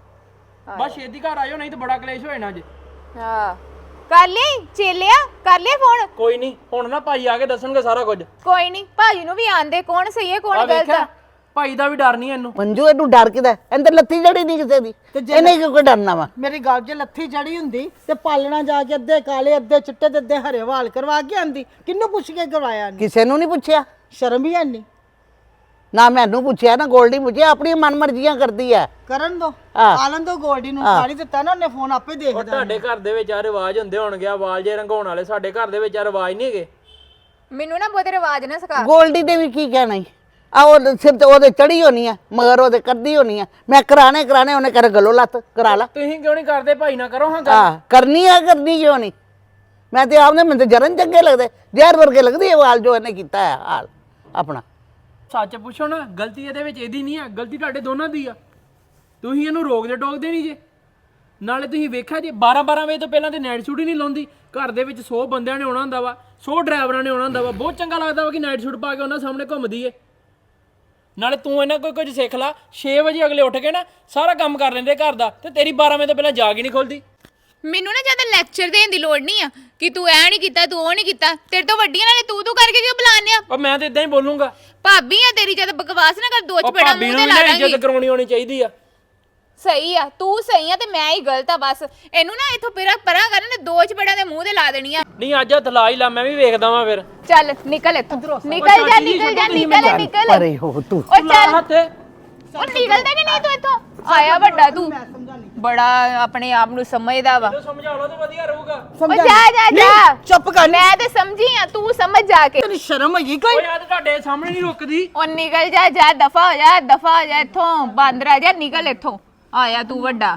Speaker 2: ਲੈ
Speaker 1: ਬਸ ਛੇਤੀ ਘਰ ਆਇਓ ਨਹੀਂ ਤਾਂ ਬੜਾ ਕਲੇਸ਼ ਹੋ ਜਾਣਾ ਅੱਜ
Speaker 2: ਹਾਂ ਕਰ ਲਈ ਚੇਲਿਆ ਕਰ ਲਿਆ ਫੋਨ
Speaker 1: ਕੋਈ ਨਹੀਂ ਹੁਣ ਨਾ ਭਾਈ ਆ ਕੇ ਦੱਸਣਗੇ ਸਾਰਾ ਕੁਝ
Speaker 2: ਕੋਈ ਨਹੀਂ ਭਾਜੀ ਨੂੰ ਵੀ ਆਂਦੇ ਕੌਣ ਸਹੀ ਹੈ
Speaker 1: ਆ
Speaker 2: ਕੌਣ ਗਲਤ
Speaker 1: ਵੇਖਿਆ
Speaker 2: ਆ
Speaker 1: ਭਾਈ ਦਾ ਵੀ ਡਰ ਨਹੀਂ ਇਹਨੂੰ
Speaker 3: ਮੰਜੂ ਇਹਨੂੰ ਡਰ ਕਿਦਾ ਇਹਦੇ ਲੱਤੀ ਜੜੀ ਨਹੀਂ ਕਿਸੇ ਦੀ ਇਹਨੇ ਕਿਉਂ ਕੋਈ ਡਰਨਾ ਵਾ
Speaker 4: ਮੇਰੀ ਗੱਲ ਜੇ ਲੱਥੀ ਚੜੀ ਹੁੰਦੀ ਤੇ ਪਾਲਣਾ ਜਾ ਕੇ ਅੱਧੇ ਕਾਲੇ ਅੱਧੇ ਚਿੱਟੇ ਤੇ ਅੱਧੇ ਹਰੇ ਵਾਲ ਕਰਵਾ ਕੇ ਆਂਦੀ ਕਿੰਨੂੰ ਪੁੱਛ ਕੇ ਕਰਵਾਇਆ ਨਹੀਂ
Speaker 3: ਕਿਸੇ ਨੂੰ ਨਹੀਂ ਪੁੱਛਿਆ
Speaker 4: ਸ਼ਰਮ ਹੀ ਨਹੀਂ
Speaker 3: ਨਾ ਮੈਨੂੰ ਪੁੱਛਿਆ ਨਾ ਗੋਲਡੀ ਪੁੱਛਿਆ ਆਪਣੀ ਮਨਮਰਜ਼ੀਆਂ ਕਰਦੀ ਹੈ
Speaker 4: ਕਰਨ ਦੋ
Speaker 3: ਹਾਂ।
Speaker 4: ਆਲਨ ਦੋ ਗੋਲਡੀ ਨੂੰ ਸਾਰੀ ਦਿੱਤਾ ਨਾ ਉਹਨੇ ਫੋਨ ਆਪੇ
Speaker 1: ਉਹ
Speaker 4: ਦੇਖਦਾ
Speaker 1: ਤੁਹਾਡੇ ਘਰ ਦੇ ਵਿੱਚ ਆ ਰਿਵਾਜ ਹੁੰਦੇ ਹੋਣਗੇ ਆ ਵਾਲ ਜੇ ਰੰਗਾਉਣ ਵਾਲੇ ਸਾਡੇ ਘਰ ਦੇ ਵਿੱਚ ਆ ਰਿਵਾਜ ਨਹੀਂ ਹੈਗੇ
Speaker 2: ਮੈਨੂੰ ਨਾ ਬਹੁਤੇ ਰਿਵਾਜ ਨਾ ਸਿਖਾ
Speaker 3: ਗੋਲਡੀ ਦੇ ਵੀ ਕੀ ਕਹਿਣਾ ਈ ਆ ਉਹ ਸਿਰ ਤੇ ਉਹਦੇ ਚੜੀ ਹੋਣੀ ਆ ਮਗਰ ਉਹਦੇ ਕਰਦੀ ਹੋਣੀ ਆ ਮੈਂ ਕਰਾਣੇ ਕਰਾਣੇ ਉਹਨੇ ਕਰ ਗਲੋ ਲੱਤ ਕਰਾ ਲਾ
Speaker 1: ਤੁਸੀਂ ਕਿਉਂ ਨਹੀਂ ਕਰਦੇ ਭਾਈ ਨਾ ਕਰੋ ਹਾਂ ਗੱਲ
Speaker 3: ਹਾਂ ਕਰਨੀ ਆ ਕਰਨੀ ਕਿਉਂ ਨਹੀਂ ਮੈਂ ਤੇ ਆਪਨੇ ਮੈਨੂੰ ਤੇ ਜਰਨ ਚੰਗੇ ਲੱਗਦੇ ਜ਼ਹਿਰ ਵਰਗੇ ਲੱਗਦੀ ਇਹ ਵਾਲ ਜੋ ਇਹਨੇ ਕੀਤਾ ਹੈ ਹਾਲ ਆਪਣਾ
Speaker 1: ਸੱਚ ਪੁੱਛੋ ਨਾ ਗਲਤੀ ਇਹਦੇ ਵਿੱਚ ਇਹਦੀ ਨਹੀਂ ਆ ਗਲਤੀ ਤੁਹਾਡੇ ਦੋਨਾਂ ਦੀ ਆ ਤੁਸੀਂ ਇਹਨੂੰ ਰੋਕਦੇ ਟੋਕਦੇ ਨਹੀਂ ਜੇ ਨਾਲੇ ਤੁਸੀਂ ਵੇਖਿਆ ਜੇ ਬਾਰਾਂ ਬਾਰਾਂ ਵਜੇ ਤੋਂ ਪਹਿਲਾਂ ਤੇ ਨਾਈਟ ਸ਼ੂਟ ਹੀ ਨਹੀਂ ਲਾਉਂਦੀ ਘਰ ਦੇ ਵਿੱਚ ਸੌ ਬੰਦਿਆਂ ਨੇ ਆਉਣਾ ਹੁੰਦਾ ਵਾ ਸੌ ਡਰਾਈਵਰਾਂ ਨੇ ਆਉਣਾ ਹੁੰਦਾ ਵਾ ਬਹੁਤ ਚੰਗਾ ਲੱਗਦਾ ਵਾ ਕਿ ਨਾਈਟ ਸ਼ੂਟ ਪਾ ਕੇ ਉਹਨਾਂ ਸਾਹਮਣੇ ਘੁੰਮਦੀ ਏ ਨਾਲੇ ਤੂੰ ਇਹਨਾਂ ਕੋਈ ਕੁਝ ਸਿੱਖ ਲਾ ਛੇ ਵਜੇ ਅਗਲੇ ਉੱਠ ਕੇ ਨਾ ਸਾਰਾ ਕੰਮ ਕਰ ਲੈਂਦੇ ਘਰ ਦਾ ਤੇ ਤੇਰੀ ਬਾਰਾਂ ਵਜੇ ਤੋਂ ਪਹਿਲਾਂ ਜਾਗ ਹੀ ਨਹੀਂ ਖੁੱਲਦੀ
Speaker 2: ਮੈਨੂੰ ਨਾ ਜ਼ਿਆਦਾ ਲੈਕਚਰ ਦੇਣ ਦੀ ਲੋੜ ਨਹੀਂ ਆ ਕਿ ਤੂੰ ਐ ਨਹੀਂ ਕੀਤਾ ਤੂੰ ਉਹ ਨਹੀਂ ਕੀਤਾ ਤੇਰੇ ਤੋਂ ਵੱਡੀਆਂ ਨਾਲੇ ਤੂੰ ਤੂੰ ਕਰਕੇ ਕਿਉਂ ਬੁਲਾਉਂਦੇ ਆ
Speaker 1: ਉਹ ਮੈਂ ਤੇ ਇਦਾਂ ਹੀ ਬੋਲੂੰਗਾ
Speaker 2: ਭਾਬੀ ਆ ਤੇਰੀ ਜਦ ਬਕਵਾਸ ਨਾ ਕਰ ਦੋ
Speaker 1: ਉਹ
Speaker 2: ਚਪੇੜਾ
Speaker 1: ਭਾਬੀ
Speaker 2: ਮੂੰਹ
Speaker 1: ਨੂੰ
Speaker 2: ਤੇ
Speaker 1: ਵੀ
Speaker 2: ਲਾ
Speaker 1: ਨਾ
Speaker 2: ਦਾਂਗੀ
Speaker 1: ਇੱਜ਼ਤ ਕਰਾਉਣੀ ਹੋਣੀ ਚਾਹੀਦੀ ਆ
Speaker 2: ਸਹੀ ਆ ਤੂੰ ਸਹੀ ਆ ਤੇ ਮੈਂ ਹੀ ਗਲਤ ਆ ਬਸ ਇਹਨੂੰ ਨਾ ਇੱਥੋਂ ਪਰਾਂ ਪਰਾਂ ਕਰਨ ਤੇ ਦੋ ਚਪੇੜਾਂ ਦੇ ਮੂੰਹ ਤੇ ਲਾ ਦੇਣੀ ਆ
Speaker 1: ਨਹੀਂ ਅੱਜ ਹੱਥ ਲਾ ਹੀ ਲਾ ਮੈਂ ਵੀ ਵੇਖਦਾ ਵਾਂ ਫਿਰ
Speaker 2: ਚੱਲ ਨਿਕਲ ਇੱਥੋਂ ਨਿਕਲ ਜਾ ਨਿਕਲ ਜਾ ਨਿਕਲ ਨਿਕਲ
Speaker 3: ਪਰੇ ਹੋ ਤੂੰ
Speaker 2: ਉਹ ਚੱਲ
Speaker 1: ਹੱਥ
Speaker 2: ਉਹ ਨਿਕਲਦਾ ਕਿ ਨਹੀਂ ਤੂੰ ਇੱਥੋਂ ਆਇਆ ਵੱਡਾ ਤੂੰ ਬੜਾ ਆਪਣੇ ਆਪ ਨੂੰ ਸਮਝਦਾ ਵਾ
Speaker 1: ਸਮਝਾ ਲਓ ਤੇ ਵਧੀਆ ਰਹੂਗਾ
Speaker 2: ਉਹ ਜਾ ਜਾ ਜਾ
Speaker 4: ਚੁੱਪ ਕਰ
Speaker 2: ਮੈਂ ਤੇ ਸਮਝੀ ਆ ਤੂੰ ਸਮਝ ਜਾ ਕੇ
Speaker 4: ਤੈਨੂੰ ਸ਼ਰਮ ਹੈਗੀ ਕੋਈ
Speaker 1: ਓਏ ਆ ਤੇ ਤੁਹਾਡੇ ਸਾਹਮਣੇ ਨਹੀਂ ਰੁਕਦੀ
Speaker 2: ਉਹ ਨਿਕਲ ਜਾ ਜਾ ਦਫਾ ਹੋ ਜਾ ਦਫਾ ਹੋ ਜਾ ਇੱਥੋਂ ਬਾਂਦਰਾ ਜਾ ਨਿਕਲ ਇੱਥੋਂ ਆਇਆ ਤੂੰ ਵੱਡਾ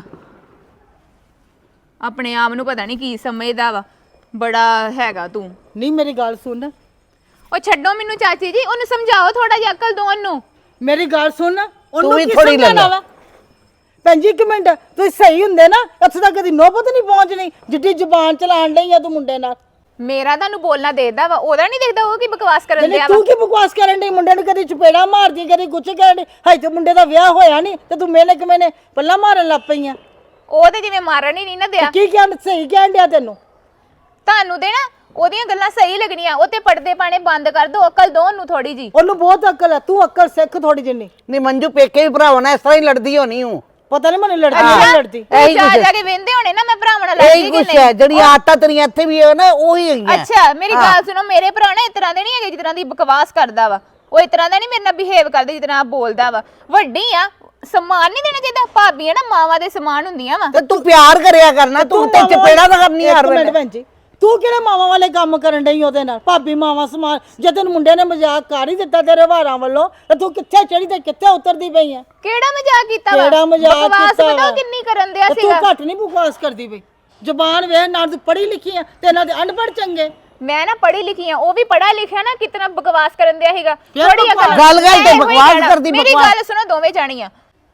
Speaker 2: ਆਪਣੇ ਆਪ ਨੂੰ ਪਤਾ ਨਹੀਂ ਕੀ ਸਮਝਦਾ ਵਾ ਬੜਾ ਹੈਗਾ ਤੂੰ
Speaker 4: ਨਹੀਂ ਮੇਰੀ ਗੱਲ ਸੁਣ
Speaker 2: ਉਹ ਛੱਡੋ ਮੈਨੂੰ ਚਾਚੀ ਜੀ ਉਹਨੂੰ ਸਮਝਾਓ ਥੋੜਾ ਜਿਹਾ ਅਕਲ ਦੋ ਉਹਨੂੰ
Speaker 4: ਮੇਰੀ ਗੱਲ ਸੁਣ ਉਹਨੂੰ
Speaker 3: ਤੂੰ ਵੀ
Speaker 4: ਕੀ
Speaker 3: ਥੋੜ੍ਹੀ
Speaker 4: ਸਮਝਾਉਣਾ
Speaker 3: ਲੈ ਲੈ।
Speaker 4: ਵਾ ਭੈਣ ਜੀ ਇੱਕ ਮਿੰਟ ਤੁਸੀਂ ਸਹੀ ਹੁੰਦੇ ਨਾ ਇੱਥੇ ਤੱਕ ਕਦੀ ਨੋਬਤ ਨਹੀਂ ਪਹੁੰਚਣੀ ਜਿੱਡੀ ਜ਼ੁਬਾਨ ਚਲਾਣ ਲਈ ਆ ਤੂੰ ਮੁੰਡੇ ਨਾਲ
Speaker 2: ਮੇਰਾ ਤੁਹਾਨੂੰ ਬੋਲਣਾ ਦੇਦਾ ਵਾ ਉਹਦਾ ਨਹੀਂ ਦੇਖਦਾ ਉਹ ਕੀ ਬਕਵਾਸ ਕਰਨ
Speaker 4: ਜਿਹੜੇ
Speaker 2: ਦਿਆ
Speaker 4: ਤੂੰ
Speaker 2: ਵਾ
Speaker 4: ਕੀ ਬਕਵਾਸ ਕਰਨ ਡਈ ਮੁੰਡੇ ਨੂੰ ਕਦੀ ਚਪੇੜਾ ਮਾਰਦੀ ਕਦੀ ਕੁਛ ਕਰਨ ਡਈ ਹਾਈ ਤੇ ਮੁੰਡੇ ਦਾ ਵਿਆਹ ਹੋਇਆ ਨਹੀਂ ਤੇ ਤੂੰ ਮੇਨੇ ਕਿਵੇਂ ਪੱਲਾ ਮਾਰਨ ਲੱਗ ਪਈ ਆ
Speaker 2: ਉਹ ਤੇ ਜਿਵੇਂ ਮਾਰਨ ਹੀ ਨਹੀਂ ਨਾ ਦਿਆ
Speaker 4: ਕੀ ਕਹਿਣ ਸਹੀ ਕਹਿਣ ਡਿਆ ਤੈਨੂੰ
Speaker 2: ਤੁਹਾਨੂੰ ਦੇ ਨਾ ਉਹਦੀਆਂ ਗੱਲਾਂ ਸਹੀ ਲੱਗਣੀਆਂ ਉਹ ਤੇ ਪਰਦੇ ਪਾਣੇ ਬੰਦ ਕਰ ਦੋ ਅਕਲ ਦੋ ਉਹਨੂੰ ਥੋੜੀ ਜੀ
Speaker 4: ਉਹਨੂੰ ਬਹੁਤ ਅਕਲ ਹੈ ਤੂੰ ਅਕਲ ਸਿੱਖ ਥੋੜੀ ਜਿੰਨੀ
Speaker 3: ਨਹੀਂ ਮੰਜੂ ਪੇਕੇ ਵੀ ਭਰਾਵਾਂ ਨਾਲ ਇਸ ਤਰ੍ਹਾਂ ਹੀ ਲੜਦੀ ਹੋਣੀ ਹੂੰ
Speaker 4: ਪਤਾ ਨਹੀਂ ਮੈਨੂੰ ਲੜਦੀ ਨਹੀਂ ਲੜਦੀ
Speaker 2: ਤੂੰ
Speaker 3: ਇਹੀ
Speaker 2: ਜਾ
Speaker 3: ਕੁਛ
Speaker 2: ਜਾ ਕੇ ਵੇਂਦੇ ਹੋਣੇ ਨਾ ਮੈਂ ਭਰਾਵਾਂ ਨਾਲ
Speaker 3: ਇਹੀ
Speaker 2: ਲੜਦੀ ਕਿ
Speaker 3: ਕੁਛ
Speaker 2: ਨਹੀਂ
Speaker 3: ਹੈ ਜਿਹੜੀ ਆਦਤਾਂ ਤੇਰੀਆਂ ਇੱਥੇ ਵੀ ਹੈ ਨਾ ਉਹੀ ਹੈਗੀਆਂ
Speaker 2: ਅੱਛਾ ਮੇਰੀ ਗੱਲ ਸੁਣੋ ਮੇਰੇ ਭਰਾ ਨਾ ਇਸ ਤਰ੍ਹਾਂ ਦੇ ਨਹੀਂ ਹੈਗੇ ਜਿਸ ਤਰ੍ਹਾਂ ਦੀ ਬਕਵਾਸ ਕਰਦਾ ਵਾ ਉਹ ਇਸ ਤਰ੍ਹਾਂ ਦਾ ਨਹੀਂ ਮੇਰੇ ਨਾਲ ਬਿਹੇਵ ਕਰਦਾ ਜਿਸ ਤਰ੍ਹਾਂ ਬੋਲਦਾ ਵਾ ਵੱਡੀ ਆ ਸਮਾਨ ਨਹੀਂ ਦੇਣਾ ਚਾਹੀਦਾ ਭਾਬੀਆਂ ਨਾ ਮਾਵਾਂ ਦੇ ਸਮਾਨ ਹੁੰਦੀਆਂ ਵਾ
Speaker 3: ਤੇ ਤੂੰ ਪਿਆਰ ਕਰਿਆ ਕਰਨਾ ਤੂੰ ਤੇ ਚਪੇੜਾ ਤਾਂ ਕਰਨੀ ਹਰ
Speaker 4: ਇੱਕ ਮਿੰਟ
Speaker 3: ਵੇਲੇ
Speaker 4: ਭੈਣ ਜੀ ਤੂੰ ਕਿਹੜੇ ਮਾਵਾਂ ਵਾਲੇ ਕੰਮ ਕਰਨ ਡਈ ਉਹਦੇ ਨਾਲ ਭਾਬੀ ਮਾਵਾਂ ਸਮਾਨ ਜੇ ਤੈਨੂੰ ਮੁੰਡੇ ਨੇ ਮਜ਼ਾਕ ਕਰ ਹੀ ਦਿੱਤਾ ਤੇਰੇ ਵਾਰਾਂ ਵੱਲੋਂ ਤੇ ਤੂੰ ਕਿੱਥੇ ਚੜੀ ਤੇ ਕਿੱਥੇ ਉਤਰਦੀ ਪਈ ਆ
Speaker 2: ਕਿਹੜਾ ਮਜ਼ਾਕ ਕੀਤਾ ਵਾ
Speaker 4: ਕਿਹੜਾ ਮਜ਼ਾਕ
Speaker 2: ਬਕਵਾਸ
Speaker 4: ਕੀਤਾ
Speaker 2: ਪਤਾ
Speaker 4: ਵਾ?
Speaker 2: ਉਹ ਕਿੰਨੀ ਕਰਨ ਦਿਆ
Speaker 4: ਤੇ ਤੂੰ
Speaker 2: ਸੀਗਾ
Speaker 4: ਘੱਟ ਨਹੀਂ ਬਕਵਾਸ ਕਰਦੀ ਪਈ ਜ਼ੁਬਾਨ ਵੇਖ ਨਾਲ ਤੂੰ ਪੜ੍ਹੀ ਲਿਖੀ ਆ ਤੇ ਇਹਨਾਂ ਦੇ ਅਨਪੜ੍ਹ ਚੰਗੇ
Speaker 2: ਮੈਂ ਨਾ ਪੜ੍ਹੀ ਲਿਖੀ ਆ ਉਹ ਵੀ ਪੜਾ ਲਿਖਿਆ ਨਾ ਕਿਤਨਾ ਬਕਵਾਸ ਕਰਨ ਦਿਆ ਸੀਗਾ
Speaker 4: ਯਾਰ
Speaker 2: ਥੋੜੀ
Speaker 4: ਬਕਵਾਸ-
Speaker 2: ਅਕਲ
Speaker 3: ਗੱਲ- ਗੱਲ ਤੇ
Speaker 2: ਮੈਂ ਇਹੋ ਹੀ
Speaker 3: ਬਕਵਾਸ
Speaker 2: ਕਹਿਣਾ।
Speaker 3: ਕਰਦੀ,
Speaker 2: ਮੇਰੀ
Speaker 3: ਬਕਵਾਸ।
Speaker 2: ਗੱਲ ਸੁਣੋ ਦੋਵੇਂ ਜਾਣੀਆਂ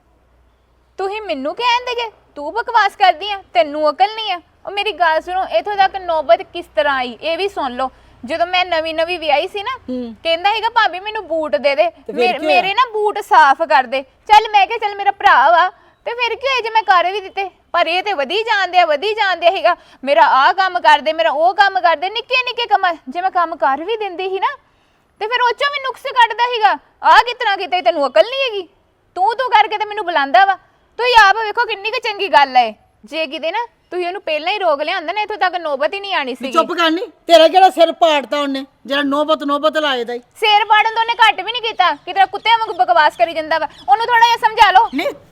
Speaker 2: ਤੁਸੀਂ ਮੈਨੂੰ ਕਹਿੰਦੇ ਜੇ ਤੂੰ ਬਕਵਾਸ ਕਰਦੀ ਆ ਤੈਨੂੰ ਅਕਲ ਨਹੀਂ ਆ ਉਹ ਮੇਰੀ ਗੱਲ ਸੁਣੋ ਇਥੋਂ ਤੱਕ ਨੌਬਤ ਕਿਸ ਤਰ੍ਹਾਂ ਆਈ ਇਹ ਵੀ ਸੁਣ ਲਓ ਜਦੋਂ ਮੈਂ ਨਵੀਂ ਨਵੀਂ ਵਿਆਹੀ ਸੀ ਨਾ ਕਹਿੰਦਾ ਹੈਗਾ ਭਾਬੀ ਮੈਨੂੰ ਬੂਟ ਦੇ ਦੇ ਮੇਰੇ ਮੇਰੇ ਨਾ ਬੂਟ ਸਾਫ਼ ਕਰ ਦੇ ਚੱਲ ਮੈਂ ਕਿਹਾ ਚੱਲ ਮੇਰਾ ਭਰਾ ਵਾ ਤੇ ਫਿਰ ਕੀ ਹੋਇਆ ਜੇ ਮੈਂ ਕਰ ਵੀ ਦਿੱਤੇ ਪਰ ਇਹ ਤੇ ਵਧੀ ਜਾਂਦੇ ਆ ਵਧੀ ਜਾਂਦੇ ਹੈਗਾ ਮੇਰਾ ਆਹ ਕੰਮ ਕਰਦੇ ਮੇਰਾ ਉਹ ਕੰਮ ਕਰਦੇ ਨਿੱਕੇ ਨਿੱਕੇ ਕੰਮ ਜੇ ਮੈਂ ਕੰਮ ਕਰ ਵੀ ਦਿੰਦੀ ਸੀ ਨਾ ਤੇ ਫਿਰ ਉਹ ਚੋਂ ਵੀ ਨੁਕਸ ਕੱਢਦਾ ਸੀਗਾ ਆਹ ਕਿਤਨਾ ਕਿਤੇ ਤੈਨੂੰ ਅਕਲ ਨਹੀਂ ਹੈਗੀ ਤੂੰ ਤੂੰ ਕਰਕੇ ਤੇ ਮੈਨੂੰ ਬੁਲਾਉਂਦਾ ਵਾ ਤੁਸੀਂ ਆਪ ਵੇਖੋ ਕਿੰਨੀ ਕੁ ਚੰਗੀ ਗੱਲ ਹੈ ਜੇ ਕਿਤੇ ਨਾ ਤੁਸੀਂ ਉਹਨੂੰ ਪਹਿਲਾਂ ਹੀ ਰੋਕ ਲਿਆਂਦਾ ਨਾ ਇੱਥੋਂ ਤੱਕ ਨੌਬਤ ਹੀ ਨਹੀਂ ਆਣੀ ਸੀ
Speaker 4: ਚੁੱਪ ਕਰਨੀ ਤੇਰਾ ਕਿਹੜਾ ਸਿਰ ਪਾੜਤਾ ਉਹਨੇ ਜਿਹੜਾ ਨੋਬਤ ਨੋਬਤ ਲਾਏ ਦਾ ਈ।
Speaker 2: ਸਿਰ ਪਾੜਨ ਤੋਂ ਉਹਨੇ ਘੱਟ ਵੀ ਨਹੀਂ ਕੀਤਾ ਕਿਤੇ ਕੁੱਤਿਆਂ ਵਾਂਗ ਬਕਵਾਸ ਕਰੀ ਜਾਂਦਾ ਵਾ ਉਹਨੂੰ ਥੋੜਾ ਜਿਹਾ ਸਮਝਾ ਲਓ
Speaker 4: ਨਹੀਂ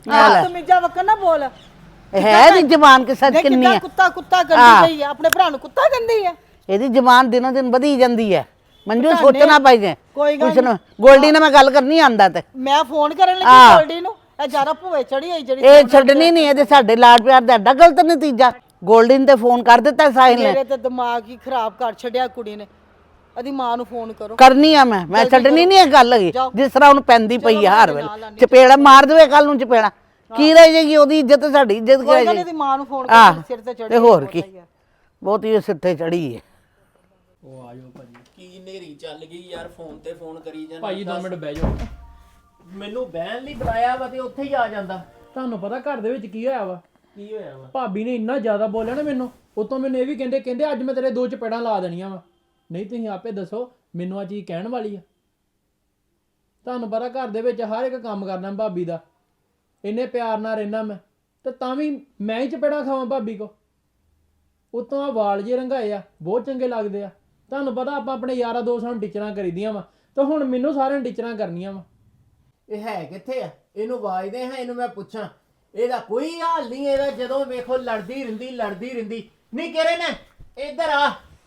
Speaker 4: ਬਦਤਮੀਜ਼ਾ ਵਕਨ ਨਾ ਬੋਲ
Speaker 3: ਇਹ ਹੈ ਦੀ ਜ਼ਬਾਨ ਕੇ ਸੱਚ
Speaker 4: ਦੇਖ
Speaker 3: ਕਿੰਨੀ
Speaker 4: ਕਿੱਦਾਂ
Speaker 3: ਹੈ
Speaker 4: ਕੁੱਤਾ ਕੁੱਤਾ ਕਰਦੀ ਪਈ ਹੈ ਆਪਣੇ ਭਰਾ ਨੂੰ ਕੁੱਤਾ ਕਹਿੰਦੀ ਹੈ
Speaker 3: ਇਹਦੀ ਜ਼ਬਾਨ ਦਿਨੋਂ ਦਿਨ ਵਧੀ ਜਾਂਦੀ ਹੈ ਮੰਜੂ
Speaker 4: ਪਤਾ
Speaker 3: ਸੋਚਣਾ
Speaker 4: ਨਹੀਂ,
Speaker 3: ਪਈ ਜੇ
Speaker 4: ਕੋਈ ਗੱਲ
Speaker 3: ਕੁਛ ਨੂੰ ਗੋਲਡੀ ਨਾਲ ਮੈਂ ਗੱਲ ਕਰਨੀ ਆਂਦਾ ਤੇ
Speaker 4: ਮੈਂ ਫੋਨ ਕਰਨ ਲੱਗੀ
Speaker 3: ਹਾਂ।
Speaker 4: ਗੋਲਡੀ ਨੂੰ ਇਹ ਜ਼ਿਆਦਾ ਭੂਏ ਚੜੀ ਹੋਈ ਜਿਹੜੀ
Speaker 3: ਇਹ ਛੱਡਣੀ ਨਹੀਂ ਇਹਦੇ ਸਾਡੇ ਲਾਡ ਪਿਆਰ ਦਾ ਐਡਾ ਗਲਤ ਨਤੀਜਾ ਗੋਲਡੀ ਨੇ ਤੇ ਫੋਨ ਕਰ ਦਿੱਤਾ ਸਾਹਿਲ ਨੇ
Speaker 4: ਮੇਰੇ ਤੇ ਦਿਮਾਗ ਹੀ ਖਰਾਬ ਕਰ ਛੱਡਿਆ ਕੁੜੀ ਨੇ ਇਹਦੀ ਮਾਂ ਨੂੰ ਫੋਨ ਕਰੋ
Speaker 3: ਕਰਨੀ ਆ ਮੈਂ ਮੈਂ ਛੱਡਣੀ ਨਹੀਂ ਇਹ ਗੱਲ ਹੈਗੀ ਜਿਸ ਤਰ੍ਹਾਂ ਉਹਨੂੰ ਪੈਂਦੀ ਪਈ ਆ ਹਰ ਵੇਲੇ ਚਪੇੜਾ ਮਾਰ ਦੇਵੇ ਕੱਲ ਨੂੰ ਚਪੇੜਾ ਕੀ ਰਹਿ ਜਾਏਗੀ ਉਹਦੀ ਇੱਜ਼ਤ ਸਾਡੀ ਇੱਜ਼ਤ ਕੀ
Speaker 4: ਕੋਈ
Speaker 3: ਰਹਿ
Speaker 4: ਗੱਲ
Speaker 3: ਜਾਏਗੀ
Speaker 4: ਇਹਦੀ ਮਾਂ ਨੂੰ ਫੋਨ
Speaker 3: ਆਹ,
Speaker 4: ਕਰ ਸਿਰ ਤੇ ਚੜੀ
Speaker 3: ਤੇ ਹੋਰ ਕੀ ਬਹੁਤ ਹੀ ਸਿਰ ਤੇ ਚੜੀ ਹੈ
Speaker 1: ਉਹ ਆ ਜਾਓ ਭਾਜੀ
Speaker 5: ਕੀ ਨੇਰੀ ਚੱਲ ਗਈ ਯਾਰ ਫੋਨ ਤੇ ਫੋਨ ਕਰੀ ਜਾਂਦਾ
Speaker 1: ਭਾਜੀ ਦੋ ਮਿੰਟ ਬਹਿ ਜਾਓ
Speaker 5: ਮੈਨੂੰ ਬਹਿਣ ਲਈ ਬੁਲਾਇਆ ਵਾ ਤੇ ਉੱਥੇ ਹੀ ਆ ਜਾਂਦਾ
Speaker 1: ਤੁਹਾਨੂੰ ਪਤਾ ਘਰ ਦੇ ਵਿੱਚ ਕੀ ਹੋਇਆ ਵਾ
Speaker 5: ਕੀ ਹੋਇਆ ਵਾ
Speaker 1: ਭਾਬੀ ਨੇ ਇੰਨਾ ਜ਼ਿਆਦਾ ਬੋਲਿਆ ਨਾ ਮੈਨੂੰ ਉਤੋਂ ਮੈਨੂੰ ਇਹ ਵੀ ਕਹਿੰਦੇ ਕਹਿੰਦੇ ਅੱਜ ਮੈਂ ਤੇਰੇ ਦੋ ਚਪੇੜਾਂ ਲਾ ਦੇਣੀਆਂ ਵਾ ਨਹੀਂ ਤੁਸੀਂ ਆਪੇ ਦੱਸੋ ਮੈਨੂੰ ਆ ਚੀਜ਼ ਕਹਿਣ ਵਾਲੀ ਆ ਤੁਹਾਨੂੰ ਪਤਾ ਘਰ ਦੇ ਵਿੱਚ ਹਰ ਇੱਕ ਕੰਮ ਕਰਨਾ ਭਾਬੀ ਦਾ ਇੰਨੇ ਪਿਆਰ ਨਾਲ ਰਹਿਣਾ ਮੈਂ ਤੇ ਤਾਂ ਵੀ ਮੈਂ ਹੀ ਚਪੇੜਾਂ ਖਾਵਾਂ ਭਾਬੀ ਕੋ ਉਤੋਂ ਆ ਵਾਲ ਜੇ ਰੰਗਾਏ ਆ ਬਹੁਤ ਚੰਗੇ ਲੱਗਦੇ ਆ ਤੁਹਾਨੂੰ ਪਤਾ ਆਪਾਂ ਆਪਣੇ ਯਾਰਾਂ ਦੋਸਤਾਂ ਨੂੰ ਟੀਚਰਾਂ ਕਰੀਦੀਆਂ ਵਾ ਤੇ ਹੁਣ ਮੈਨੂੰ ਸਾਰਿਆਂ ਨੂੰ ਟੀਚਰਾਂ ਕਰਨੀਆਂ ਵਾ
Speaker 5: ਇਹ ਹੈ ਕਿੱਥੇ ਆ ਇਹਨੂੰ ਆਵਾਜ਼ਦੇ ਹਾਂ ਇਹਨੂੰ ਮੈਂ ਪੁੱਛਾਂ ਇਹਦਾ ਕੋਈ ਹਾਲ ਨਹੀਂ ਇਹਦਾ ਜਦੋਂ ਵੇਖੋ ਲੜਦੀ ਰਹਿੰਦੀ ਲੜਦੀ ਰਹਿੰਦੀ ਨਹੀਂ ਕਰੇ ਨਾ ਇੱਧਰ ਆ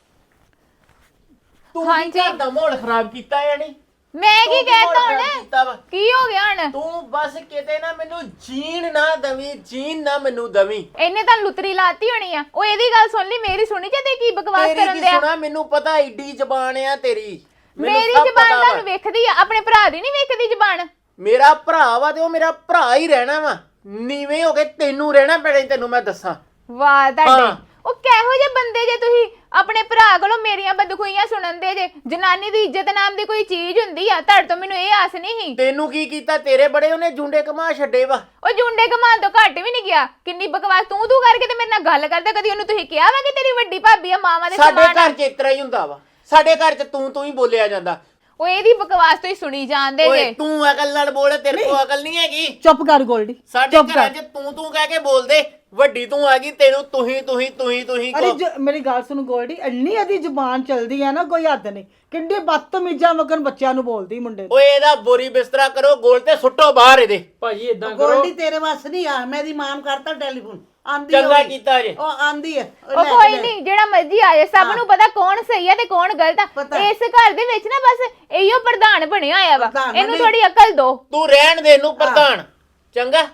Speaker 5: ਤੂੰ
Speaker 2: ਹਾਂਜੀ।
Speaker 5: ਕੀ ਘਰ ਦਾ ਮਾਹੌਲ ਖਰਾਬ ਕੀਤਾ ਹੈ ਨਹੀਂ
Speaker 2: ਮੈਂ ਕੀ
Speaker 5: ਤੂੰ
Speaker 2: ਕਹਿਤਾ
Speaker 5: ਮਾਹੌਲ ਖਰਾਬ ਕੀਤਾ ਵਾ।
Speaker 2: ਹੁਣ ਕੀ ਹੋ ਗਿਆ ਹੁਣ
Speaker 5: ਤੂੰ ਬਸ ਕਿਤੇ ਨਾ ਮੈਨੂੰ ਜੀਣ ਨਾ ਦਵੀਂ ਜੀਣ ਨਾ ਮੈਨੂੰ ਦਵੀਂ
Speaker 2: ਇਹਨੇ ਤਾਂ ਲੁਤਰੀ ਲਾਤੀ ਹੋਣੀ ਆ ਉਹ ਇਹਦੀ ਗੱਲ ਸੁਣ ਲਈ ਮੇਰੀ ਸੁਣੀ ਜਾਂਦੇ ਕੀ ਬਕਵਾਸ
Speaker 5: ਤੇਰੀ
Speaker 2: ਕਰਨ
Speaker 5: ਕੀ
Speaker 2: ਦਿਆ
Speaker 5: ਸੁਣਾ ਮੈਨੂੰ ਪਤਾ ਏਡੀ ਜ਼ਬਾਨ ਆ ਤੇਰੀ ਮੈਨੂੰ
Speaker 2: ਮੇਰੀ
Speaker 5: ਸਭ
Speaker 2: ਜ਼ਬਾਨ
Speaker 5: ਪਤਾ ਵਾ।
Speaker 2: ਤੁਹਾਨੂੰ ਵੇਖਦੀ ਆ ਆਪਣੇ ਭਰਾ ਦੀ ਨਹੀਂ ਵੇਖਦੀ ਜ਼ਬਾਨ
Speaker 5: ਮੇਰਾ ਭਰਾ ਵਾ ਤੇ ਉਹ ਮੇਰਾ ਭਰਾ ਹੀ ਰਹਿਣਾ ਵਾ ਨੀਵੇਂ ਹੋ ਕੇ ਤੈਨੂੰ ਰਹਿਣਾ ਪੈਣਾ ਈ, ਤੈਨੂੰ ਮੈਂ ਦੱਸਾਂ
Speaker 2: ਵਾਹ ਤੁਹਾਡੇ
Speaker 5: ਹਾਂ।
Speaker 2: ਉਹ ਕਿਹੋ ਜਿਹੇ ਬੰਦੇ ਜੇ ਤੁਸੀਂ ਆਪਣੇ ਭਰਾ ਕੋਲੋਂ ਮੇਰੀਆਂ ਬਦਖੁਈਆਂ ਸੁਣਨ ਦੇ ਜੇ ਜਨਾਨੀ ਦੀ ਇੱਜ਼ਤ ਨਾਮ ਦੀ ਕੋਈ ਚੀਜ਼ ਹੁੰਦੀ ਆ ਤੁਹਾਡੇ ਤੋਂ ਮੈਨੂੰ ਇਹ ਆਸ ਨਹੀਂ ਸੀ
Speaker 5: ਤੈਨੂੰ ਕੀ ਕੀਤਾ ਤੇਰੇ ਬੜੇ ਉਹਨੇ ਜੁੰਡੇ ਕਮਾ ਛੱਡੇ ਵਾ
Speaker 2: ਉਹ ਜੁੰਡੇ ਕਮਾਨ ਤੋਂ ਘੱਟ ਵੀ ਨਹੀਂ ਗਿਆ ਕਿੰਨੀ ਬਕਵਾਸ ਤੂੰ ਤੂੰ ਕਰਕੇ ਤੇ ਮੇਰੇ ਨਾਲ ਗੱਲ ਕਰਦਾ ਕਦੀ ਉਹਨੂੰ ਤੁਸੀਂ ਕਿਹਾ ਵਾ ਕਿ ਤੇਰੀ ਵੱਡੀ ਭਾਬੀ ਆ ਮਾਵਾਂ ਦੇ
Speaker 5: ਸਾਡੇ
Speaker 2: ਸਮਾਨ ਆ
Speaker 5: ਘਰ 'ਚ ਇਤਰਾ ਹੀ ਹੁੰਦਾ ਵਾ ਸਾਡੇ ਘਰ 'ਚ ਤੂੰ ਤੂੰ ਹੀ ਬੋਲਿਆ ਜਾਂਦਾ
Speaker 2: ਉਹ ਇਹਦੀ ਬਕਵਾਸ ਤੋਂ ਹੀ ਸੁਣੀ ਜਾਂਦੇ
Speaker 5: ਓਏ
Speaker 2: ਜੇ
Speaker 5: ਤੂੰ ਅਕਲ ਨਾਲ ਬੋਲ ਤੇਰੇ ਕੋਲ ਅਕਲ ਨਹੀਂ ਹੈਗੀ
Speaker 4: ਚੁੱਪ ਕਰ ਗੋਲਡੀ
Speaker 5: ਸਾਡੇ ਘਰਾਂ 'ਚ ਤੂੰ ਤੂੰ ਕਹਿ ਕੇ ਬੋਲਦੇ ਵੱਡੀ ਤੂੰ ਆ ਗਈ ਤੈਨੂੰ ਤੁਹੀਂ ਤੁਹੀਂ ਤੁਹੀਂ ਤੁਹੀਂ
Speaker 4: ਅਰੇ
Speaker 5: ਕੋ
Speaker 4: ਜ- ਮੇਰੀ ਗੱਲ ਸੁਣ ਗੋਲਡੀ ਇੰਨੀ ਇਹਦੀ ਜ਼ੁਬਾਨ ਚੱਲਦੀ ਹੈ ਨਾ ਕੋਈ ਹੱਦ ਨਹੀਂ ਕਿੰਨੇ ਬਦਤਮੀਜ਼ਾਂ ਵਕਨ ਬੱਚਿਆਂ ਨੂੰ ਬੋਲਦੀ ਮੁੰਡੇ ਨੂੰ
Speaker 5: ਓਏ ਇਹਦਾ ਬੋਰੀ ਬਿਸਤਰਾ ਕਰੋ ਗੋਲ ਤੇ ਸੁੱਟੋ ਬਾਹਰ ਇਹਦੇ
Speaker 1: ਭਾਜੀ ਇਦਾਂ ਕਰੋ
Speaker 3: ਗੋਲਡੀ ਤੇਰੇ ਵਾਸ ਨਹੀਂ ਆ ਮੈਂ ਦੀ ਮਾਂ ਨੂੰ ਕਰਤਾ ਟੈਲੀਫੋਨ ਆਂਦੀ
Speaker 5: ਚੰਗਾ
Speaker 3: ਹੋਈ।
Speaker 5: ਕੀਤਾ ਜੇ
Speaker 3: ਉਹ ਆਂਦੀ ਹੈ ਉਹ
Speaker 2: ਉਹ
Speaker 3: ਲੈ
Speaker 2: ਕੋਈ
Speaker 3: ਕੇ
Speaker 2: ਨਹੀਂ ਜਿਹੜਾ ਮਰਜ਼ੀ ਆ ਜਾਏ ਸਭ ਨੂੰ ਪਤਾ ਕੌਣ ਸਹੀ ਆ ਤੇ ਕੌਣ ਗਲਤ ਆ
Speaker 3: ਪਤਾ।
Speaker 2: ਇਸ ਘਰ ਦੇ ਵਿੱਚ ਨਾ ਬਸ ਇਹੀਓ ਪ੍ਰਧਾਨ ਬਣਿਆ ਹੋਇਆ ਵਾ
Speaker 3: ਪ੍ਰਧਾਨ
Speaker 2: ਇਹਨੂੰ
Speaker 3: ਬਣੇ।
Speaker 2: ਥੋੜੀ ਅਕਲ ਦੋ
Speaker 5: ਤੂੰ ਰਹਿਣ ਦੇ ਇਹਨੂੰ ਪ੍ਰਧਾਨ ਚੰਗਾ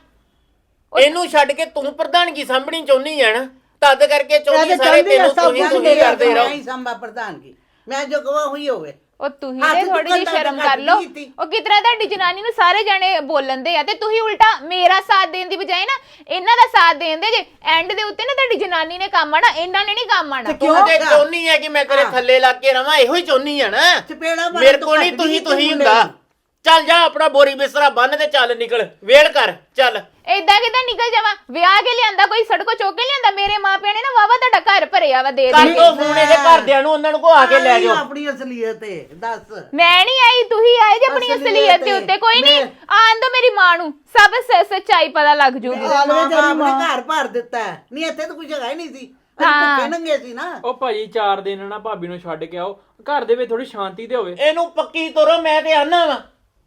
Speaker 5: ਇਹਨੂੰ ਛੱਡ ਕੇ ਤੂੰ ਪ੍ਰਧਾਨਗੀ ਸਾਂਭਣੀ ਚਾਹੁੰਦੀ ਆ ਨਾ ਤਦ ਕਰਕੇ
Speaker 4: ਇਹ
Speaker 5: ਚਾਹੁੰਦੀ
Speaker 4: ਤਾਂ
Speaker 5: ਸਾਰੇ
Speaker 4: ਚਾਹੁੰਦੀ ਆ
Speaker 5: ਤੈਨੂੰ
Speaker 4: ਸਭ
Speaker 5: ਤੁਸੀਂ
Speaker 4: ਕੁਛ
Speaker 5: ਤੁਸੀਂ
Speaker 4: ਮੇਰੇ
Speaker 5: ਕਰਦੇ
Speaker 3: ਮੈਂ
Speaker 5: ਰਹੋ
Speaker 3: ਹੀ ਸੰਭਾ ਪ੍ਰਧਾਨ ਕੀ ਮੈਂ ਜੋ ਕਹਾਂ ਹੋਈ ਹੋਵੇ
Speaker 2: ਉਹ ਤੁਸੀਂ
Speaker 3: ਹੱਥ
Speaker 2: ਤੇ ਥੋੜੀ ਜਿਹੀ
Speaker 3: ਚੁੱਕਣ ਦਾ
Speaker 2: ਸ਼ਰਮ
Speaker 3: ਘੱਟ
Speaker 2: ਕਰ ਲਓ
Speaker 3: ਨਹੀਂ ਕੀਤੀ।
Speaker 2: ਉਹ ਕਿਤਨਾ ਤੁਹਾਡੀ ਜਨਾਨੀ ਨੂੰ ਸਾਰੇ ਜਾਣੇ ਬੋਲਣ ਦੇ ਆ ਤੇ ਤੁਸੀਂ ਉਲਟਾ ਮੇਰਾ ਸਾਥ ਦੇਣ ਦੀ ਬਜਾਏ ਨਾ ਇਹਨਾਂ ਦਾ ਸਾਥ ਦੇਣ ਦੇ ਜੇ ਐਂਡ ਦੇ ਉੱਤੇ ਨਾ ਤੁਹਾਡੀ ਜਨਾਨੀ ਨੇ ਕੰਮ ਆਣਾ ਇਹਨਾਂ ਨੇ ਨਹੀਂ ਕੰਮ ਆਣਾ
Speaker 5: ਤੂੰ ਤੇ ਚਾਹੁੰਦੀ ਆ ਕਿ ਮੈਂ ਤੇਰੇ ਥੱਲੇ ਲੱਗ ਕੇ ਰਵਾਂ ਇਹੋ ਹੀ ਚਾਹੁੰਦੀ ਆ ਨਾ
Speaker 3: ਚਪੇੜਾ ਮਾਰਨ
Speaker 5: ਮੇਰੇ
Speaker 3: ਤੋਂ
Speaker 5: ਕੋਲ ਨਹੀਂ
Speaker 3: ਘੱਟ
Speaker 5: ਤੁਸੀਂ
Speaker 3: ਨਹੀਂ
Speaker 5: ਤੁਸੀਂ
Speaker 3: ਮੁੰਡੇ
Speaker 5: ਹੁੰਦਾ
Speaker 3: ਨੂੰ।
Speaker 5: ਚੱਲ ਜਾ ਆਪਣਾ ਬੋਰੀ ਬਿਸਤਰਾ ਬੰਨ ਤੇ ਚੱਲ ਨਿਕਲ ਵੇਲ ਕਰ ਚੱਲ
Speaker 2: ਏਦਾਂ ਕਿਦਾਂ ਨਿਕਲ ਜਾਵਾਂ ਵਿਆਹ ਕੇ ਲਿਆਂਦਾ ਕੋਈ ਸੜਕੋ ਚੁੱਕ ਕੇ ਲਿਆਂਦਾ ਮੇਰੇ ਮਾਪਿਆਂ ਨੇ ਨਾ ਵਾਵਾ ਤੁਹਾਡਾ ਘਰ ਭਰਿਆ ਵਾ ਦੇ
Speaker 5: ਕਰ
Speaker 2: ਦੇ
Speaker 5: ਦੋ ਫੋਨ ਇਹਦੇ ਘਰਦਿਆਂ ਨੂੰ ਉਹਨਾਂ ਨੂੰ ਕੋ ਆ ਕੇ ਲੈ
Speaker 3: ਆਈ
Speaker 5: ਜਾਓ
Speaker 3: ਆਪਣੀ ਅਸਲੀਅਤ ਹੈ ਦੱਸ
Speaker 2: ਮੈਂ ਨਹੀਂ ਆਈ ਤੁਸੀਂ ਆਏ ਜੇ ਆਪਣੀ
Speaker 3: ਅਸਲੀਅਤ
Speaker 2: ਅਸਲੀਅਤ ਦੇ
Speaker 3: ਹੈ।
Speaker 2: ਉੱਤੇ ਕੋਈ ਨਹੀਂ ਆਣ ਦੋ ਮੇਰੀ ਮਾਂ ਨੂੰ ਸਭ ਸ- ਸੱਚਾਈ ਪਤਾ ਲੱਗ ਜੂਗੀ
Speaker 3: ਮਾਂ ਬਾਪ ਨੇ ਘਰ ਭਰ ਦਿੱਤਾ ਹੈ। ਨਹੀਂ ਇੱਥੇ ਤਾਂ ਕੋਈ ਜਗ੍ਹਾ ਹੀ ਨਹੀਂ ਸੀ ਅਸੀਂ
Speaker 2: ਹਾਂ।
Speaker 3: ਭੁੱਖੇ ਨੰਗੇ ਸੀ ਨਾ
Speaker 1: ਉਹ ਭਾਜੀ ਚਾਰ ਦਿਨ ਨਾ ਭਾਬੀ ਨੂੰ ਛੱਡ ਕੇ ਆਓ ਘਰ ਦੇ ਵਿੱਚ ਥੋੜੀ ਸ਼ਾਂਤੀ ਤੇ ਹੋਵੇ
Speaker 5: ਇਹਨੂੰ ਪੱਕੀ ਤੋਰੋ ਮੈਂ ਤੇ ਆਨਾ ਵਾ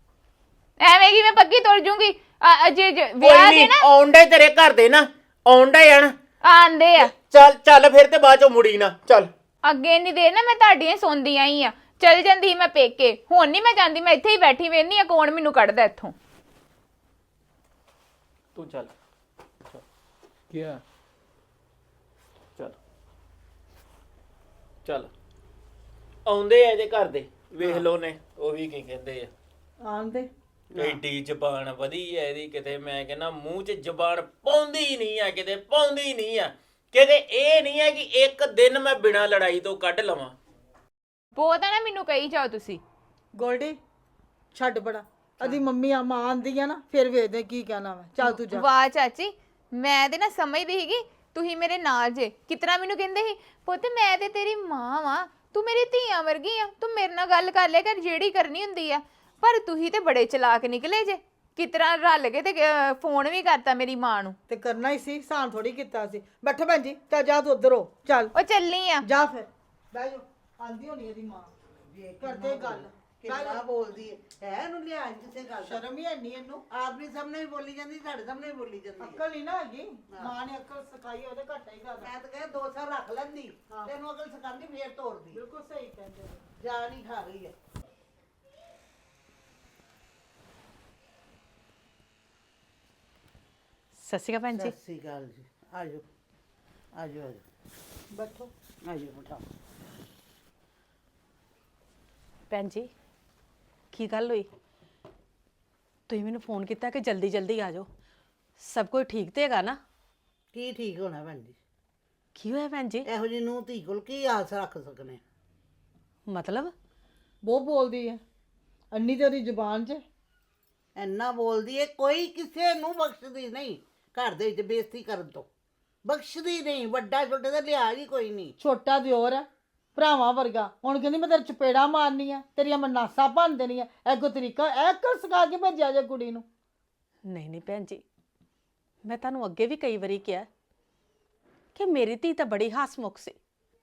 Speaker 2: ਐਵੇਂ ਕਿ ਮੈਂ ਪੱਕੀ ਤੁਰ ਜੂਗੀ ਆ- ਜੇ ਜੇ
Speaker 5: ਕੋਈ
Speaker 2: ਵਿਆਹ ਦੇ
Speaker 5: ਨਹੀਂ
Speaker 2: ਨਾ
Speaker 5: ਆਉਂਦੇ ਤੇਰੇ ਘਰ ਦੇ ਨਾ ਆਉਂਦੇ ਆਣ
Speaker 2: ਆਂਦੇ ਆ
Speaker 5: ਚੱਲ ਚੱਲ ਫਿਰ ਤੇ ਬਾਅਦ ਚੋਂ ਮੁੜੀ ਨਾ ਚੱਲ
Speaker 2: ਅੱਗੇ ਨਹੀਂ ਦੇ ਨਾ ਮੈਂ ਤੁਹਾਡੀਆਂ ਸੁਣਦੀ ਆਈ ਆ ਚਲ ਜਾਂਦੀ ਸੀ ਮੈਂ ਪੇਕੇ ਹੁਣ ਨਹੀਂ ਮੈਂ ਜਾਂਦੀ ਮੈਂ ਇੱਥੇ ਹੀ ਬੈਠੀ ਵੇਖਨੀ ਆ ਕੌਣ ਮੈਨੂੰ ਕੱਢਦਾ ਇੱਥੋਂ
Speaker 5: ਤੂੰ ਚੱਲ
Speaker 1: ਕੀ ਆ
Speaker 5: ਚੱਲ ਚੱਲ ਆਉਂਦੇ ਆ ਇਹਦੇ ਘਰ ਦੇ ਵੇਖ ਲੋ ਨੇ ਉਹ ਵੀ ਕੀ ਕਹਿੰਦੇ ਆ
Speaker 4: ਆਂਦੇ
Speaker 5: ਐਡੀ ਜ਼ਬਾਨ ਵਧੀ ਐ ਇਹਦੀ ਕਿਤੇ ਮੈਂ ਕਹਿੰਦਾ ਮੂੰਹ 'ਚ ਜ਼ਬਾਨ ਪਾਉਂਦੀ ਨਹੀਂ ਆ ਕਿਤੇ ਪਾਉਂਦੀ ਨਹੀਂ ਆ ਕਿਤੇ ਇਹ ਨਹੀਂ ਹੈ ਕਿ ਇੱਕ ਦਿਨ ਮੈਂ ਬਿਨਾਂ ਲੜਾਈ ਤੋਂ ਕੱਢ ਲਵਾਂ
Speaker 2: ਬਹੁਤ ਆ ਨਾ ਮੈਨੂੰ ਕਹੀ ਜਾਓ ਤੁਸੀਂ
Speaker 4: ਗੋਲਡੀ ਛੱਡ ਬੜਾ ਅਦੀ ਮੰਮੀ ਆ ਮਾਂ ਆਂਦੀ ਆ ਨਾ ਫਿਰ ਵੇਖਦੇ ਕੀ ਕਹਿਣਾ ਵਾ ਚੱਲ ਤੂੰ ਜਾ
Speaker 2: ਵਾਹ ਚਾਚੀ ਮੈਂ ਤੇ ਨਾ ਸਮਝਦੀ ਸੀਗੀ ਤੁਸੀਂ ਮੇਰੇ ਨਾਲ ਜੇ ਕਿਤਨਾ ਮੈਨੂੰ ਕਹਿੰਦੇ ਸੀ ਪੁੱਤ ਮੈਂ ਤੇ ਤੇਰੀ ਮਾਂ ਵਾਂ ਤੂੰ ਮੇਰੀ ਧੀਆਂ ਵਰਗੀ ਆ ਤੂੰ ਮੇਰੇ ਨਾਲ ਗੱਲ ਕਰ ਲਿਆ ਕਰ ਜਿਹੜੀ ਕਰਨੀ ਹੁੰਦੀ ਆ ਪਰ ਤੁਸੀਂ ਤੇ ਬੜੇ ਚਲਾਕ ਨਿਕਲੇ ਜੇ ਕਿਤਨਾ ਰਲ ਕੇ ਤੇ ਅਹ, ਫੋਨ ਵੀ ਕਰਤਾ ਮੇਰੀ ਮਾਂ ਨੂੰ
Speaker 4: ਤੇ ਕਰਨਾ ਹੀ ਸੀ ਸਾਨ ਥੋੜੀ ਕੀਤਾ ਸੀ ਬੈਠੋ ਭੈਣ ਜੀ ਚੱਲ ਜਾ ਤੂੰ ਉਧਰ ਹੋ ਚੱਲ
Speaker 2: ਉਹ ਚੱਲਨੀ ਆ
Speaker 4: ਜਾ ਫਿਰ ਬਹਿ ਜਾ ਆਂਦੀ ਹੋਣੀ ਇਹਦੀ ਮਾਂ ਕਰਦੇ ਗੱਲ
Speaker 3: ਕਿੰਨਾ ਬੋਲਦੀ ਹੈ ਹੈ ਇਹਨੂੰ ਲਿਆ ਕਿਸੇ ਗੱਲ ਦਾ
Speaker 4: ਸ਼ਰਮ ਹੀ ਨਹੀਂ ਇਹਨੂੰ
Speaker 3: ਆਪਣੀ ਸਾਹਮਣੇ ਵੀ ਬੋਲੀ ਜਾਂਦੀ ਸਾਡੇ ਸਾਹਮਣੇ ਵੀ ਬੋਲੀ ਜਾਂਦੀ ਹੈ।
Speaker 4: ਅਕਲ ਨਹੀਂ ਨਾ ਹੈਗੀ ਮਾਂ ਨੇ ਅਕਲ ਸਿਖਾਈ ਉਹਦੇ ਘੱਟ ਹੀ ਗੱਲ
Speaker 3: ਮੈਂ ਤਾਂ ਕਹੇ ਦੋ ਸਾਲ ਰੱਖ ਲੈਂਦੀ ਤੈਨੂੰ ਅਕਲ ਸਿਖਾਉਂਦੀ ਫੇਰ ਤੋੜਦੀ
Speaker 4: ਬਿਲਕੁਲ ਸਹੀ ਕਹਿੰਦੇ ਹੋ।
Speaker 3: ਜਾਨ ਹੀ ਖਾ ਰਹੀ ਹੈ।
Speaker 6: ਸਤਿ ਸ਼੍ਰੀ ਅਕਾਲ ਭੈਣ ਜੀ।
Speaker 3: ਸਤਿ ਸ੍ਰੀ ਅਕਾਲ ਜੀ ਆਜੋ ਆਜੋ ਆਜੋ
Speaker 4: ਬੈਠੋ
Speaker 3: ਆਜੋ ਬਿਠਾਓ।
Speaker 6: ਭੈਣ ਜੀ ਕੀ ਗੱਲ ਹੋਈ? ਤੁਸੀਂ ਮੈਨੂੰ ਫੋਨ ਕੀਤਾ ਕਿ ਜਲਦੀ ਜਲਦੀ ਆ ਜਾਓ। ਸਭ ਕੁਝ ਠੀਕ ਤੇ ਹੈਗਾ ਨਾ?
Speaker 3: ਕੀ ਠੀਕ ਹੋਣਾ ਭੈਣ ਜੀ?
Speaker 6: ਕੀ ਹੋਇਆ ਭੈਣ ਜੀ?
Speaker 3: ਇਹੋ ਜਿਹੀ ਨੂੰਹ ਧੀ ਕੋਲ ਕੀ ਆਸ ਰੱਖ ਸਕਨੇ?
Speaker 6: ਮਤਲਬ
Speaker 4: ਬਹੁਤ ਬੋਲਦੀ ਹੈ ਅੰਨੀ ਤੇ ਉਹਦੀ ਜ਼ੁਬਾਨ 'ਚ
Speaker 3: ਇੰਨਾ ਬੋਲਦੀ ਏ ਕੋਈ ਕਿਸੇ ਨੂੰ ਬਖਸ਼ਦੀ ਨਹੀਂ। ਘਰ ਦੇ ਵਿੱਚ ਬੇਇੱਜ਼ਤੀ ਕਰਨ ਤੋਂ ਬਖਸ਼ਦੀ ਨਹੀਂ। ਵੱਡਾ ਛੋਟੇ ਦਾ ਲਿਹਾਜ਼ ਹੀ ਕੋਈ ਨਹੀਂ।
Speaker 4: ਛੋਟਾ ਦਿਓਰ ਹੈ ਭਰਾਵਾਂ ਵਰਗਾ। ਹੁਣ ਕਹਿੰਦੀ ਮੈਂ ਤੇਰੇ ਚਪੇੜਾ ਮਾਰਨੀ ਆ ਤੇਰੀਆਂ ਮੈਂ ਨਾਸਾਂ ਭੰਨ ਦੇਣੀਆਂ। ਐਗੋ ਤਰੀਕਾ ਐ ਕਰ ਸਿਖਾ ਕੇ ਭੇਜਿਆ ਜੇ ਕੁੜੀ ਨੂੰ।
Speaker 6: ਨਹੀਂ ਨਹੀਂ ਭੈਣ ਜੀ, ਮੈਂ ਤੁਹਾਨੂੰ ਅੱਗੇ ਵੀ ਕਈ ਵਾਰੀ ਕਿਹਾ ਕਿ ਮੇਰੀ ਧੀ ਤਾਂ ਬੜੀ ਹੱਸਮੁਖ ਸੀ,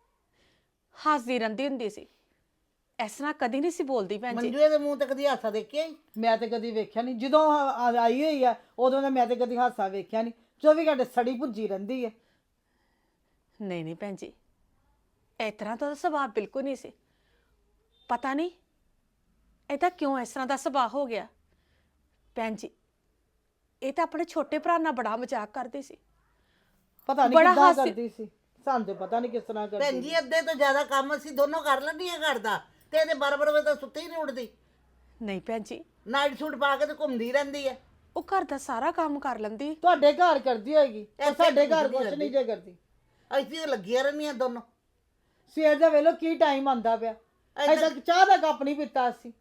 Speaker 6: ਹੱਸਦੀ ਰਹਿੰਦੀ ਹੁੰਦੀ ਸੀ, ਇਸ ਤਰ੍ਹਾਂ ਕਦੀ ਨਹੀਂ ਸੀ ਬੋਲਦੀ ਭੈਣ ਜੀ।
Speaker 3: ਮੰਜੂਏ ਦੇ ਮੂੰਹ ਤੇ ਕਦੀ ਹਾਸਾ ਦੇਖਿਆ ਹੀ?
Speaker 4: ਮੈਂ ਤੇ ਕਦੀ ਵੇਖਿਆ ਨਹੀਂ। ਜਦੋਂ ਆ- ਆ- ਆਈ ਹੋਈ ਆ ਉਦੋਂ ਦਾ ਮੈਂ ਤੇ ਕਦੀ ਹਾਸਾ ਵੇਖਿਆ ਨਹੀਂ। ਚੌਵੀ ਘੰਟੇ ਸੜੀ ਭੁੱਜੀ ਰਹਿੰਦੀ ਹੈ।
Speaker 6: ਨਹੀਂ ਨਹੀਂ ਭੈਣ ਜੀ, ਇਸ ਤਰ੍ਹਾਂ ਤਾਂ ਉਹਦਾ ਸੁਭਾਅ ਬਿਲਕੁਲ ਨਹੀਂ ਸੀ। ਪਤਾ ਨਹੀਂ ਇਹਦਾ ਕਿਉਂ ਇਸ ਤਰ੍ਹਾਂ ਦਾ ਸੁਭਾਅ ਹੋ ਗਿਆ। ਭੈਣ ਜੀ ਇਹ ਤਾਂ ਆਪਣੇ ਛੋਟੇ ਭਰਾ ਨਾਲ ਬੜਾ ਮਜ਼ਾਕ ਕਰਦੀ ਸੀ।
Speaker 4: ਪਤਾ ਨਹੀਂ
Speaker 6: ਬੜਾ
Speaker 4: ਕਿੱਦਾਂ
Speaker 6: ਹਾਸੀ-
Speaker 4: ਕਰਦੀ ਸੀ। ਸਾਨੂੰ ਤੇ ਪਤਾ ਨਹੀਂ ਕਿਸ ਤਰ੍ਹਾਂ
Speaker 3: ਭੈਣ
Speaker 4: ਕਰਦੀ।
Speaker 3: ਜੀ ਅੱਧੇ ਤੋਂ ਜ਼ਿਆਦਾ ਕੰਮ ਅਸੀਂ ਦੋਨੋਂ ਕਰ ਲੈਂਦੀ ਆ ਘਰ ਦਾ ਤੇ ਇਹਦੇ ਬਾਰ-ਬਾਰ ਵਜੇ ਤਾਂ ਸੁੱਤੀ ਹੀ ਨਹੀਂ ਉੱਠਦੀ।
Speaker 6: ਨਹੀਂ ਭੈਣ ਜੀ,
Speaker 3: ਨਾਈਟ ਸੂਟ ਪਾ ਕੇ ਤੇ ਘੁੰਮਦੀ ਰਹਿੰਦੀ ਹੈ।
Speaker 6: ਉਹ ਘਰ ਦਾ ਸਾਰਾ ਕੰਮ ਕਰ ਲੈਂਦੀ।
Speaker 4: ਤੁਹਾਡੇ ਘਰ ਕਰਦੀ ਹੋਏਗੀ ਪਰ
Speaker 3: ਇੱਥੇ
Speaker 4: ਸਾਡੇ ਘਰ
Speaker 3: ਕੁਝ
Speaker 4: ਕੁਛ ਨਹੀਂ ਜੇ ਕਰਦੀ।
Speaker 3: ਅਸੀਂ ਤਾਂ ਲੱਗੀਆਂ ਰਹਿੰਦੀਆਂ ਦੋਨੋਂ।
Speaker 4: ਸਵੇਰ ਦਾ ਵੇਲੋ ਕੀ ਟਾਈਮ ਆਂਦਾ ਪਿਆ ਅਜੇ ਤੱਕ ਚਾਹ ਦਾ ਕੱਪ ਨਹੀਂ ਪੀਤਾ ਸੀ।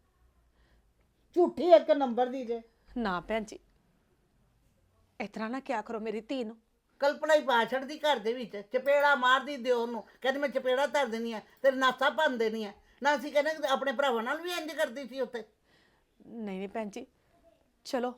Speaker 4: ਝੂਠੀ ਇੱਕ ਨੰਬਰ ਦੀ ਜੇ।
Speaker 6: ਨਾ ਭੈਣ ਜੀ ਇਸ ਤਰ੍ਹਾਂ ਨਾ ਕਿਆ ਕਰੋ ਮੇਰੀ ਧੀ ਨੂੰ।
Speaker 3: ਕਲਪਨਾ ਹੀ ਪਾ ਛੱਡਦੀ ਘਰ ਦੇ ਵਿੱਚ। ਚਪੇੜਾ ਮਾਰਦੀ ਦਿਓ ਉਹਨੂੰ। ਕਹਿੰਦੀ ਮੈਂ ਚਪੇੜਾ ਧਰ ਦੇਣੀ ਆ ਤੇਰੇ ਨਾਸਾਂ ਭੰਨ ਦੇਣੀ ਆ। ਨਾ ਅਸੀਂ ਕਹਿੰਦੇ ਕਿ ਆਪਣੇ ਭਰਾਵਾਂ ਨਾਲ ਵੀ ਇੰਜ ਕਰਦੀ ਸੀ ਉੱਥੇ।
Speaker 6: ਨਹੀਂ ਨਹੀਂ ਭੈਣ ਜੀ, ਚਲੋ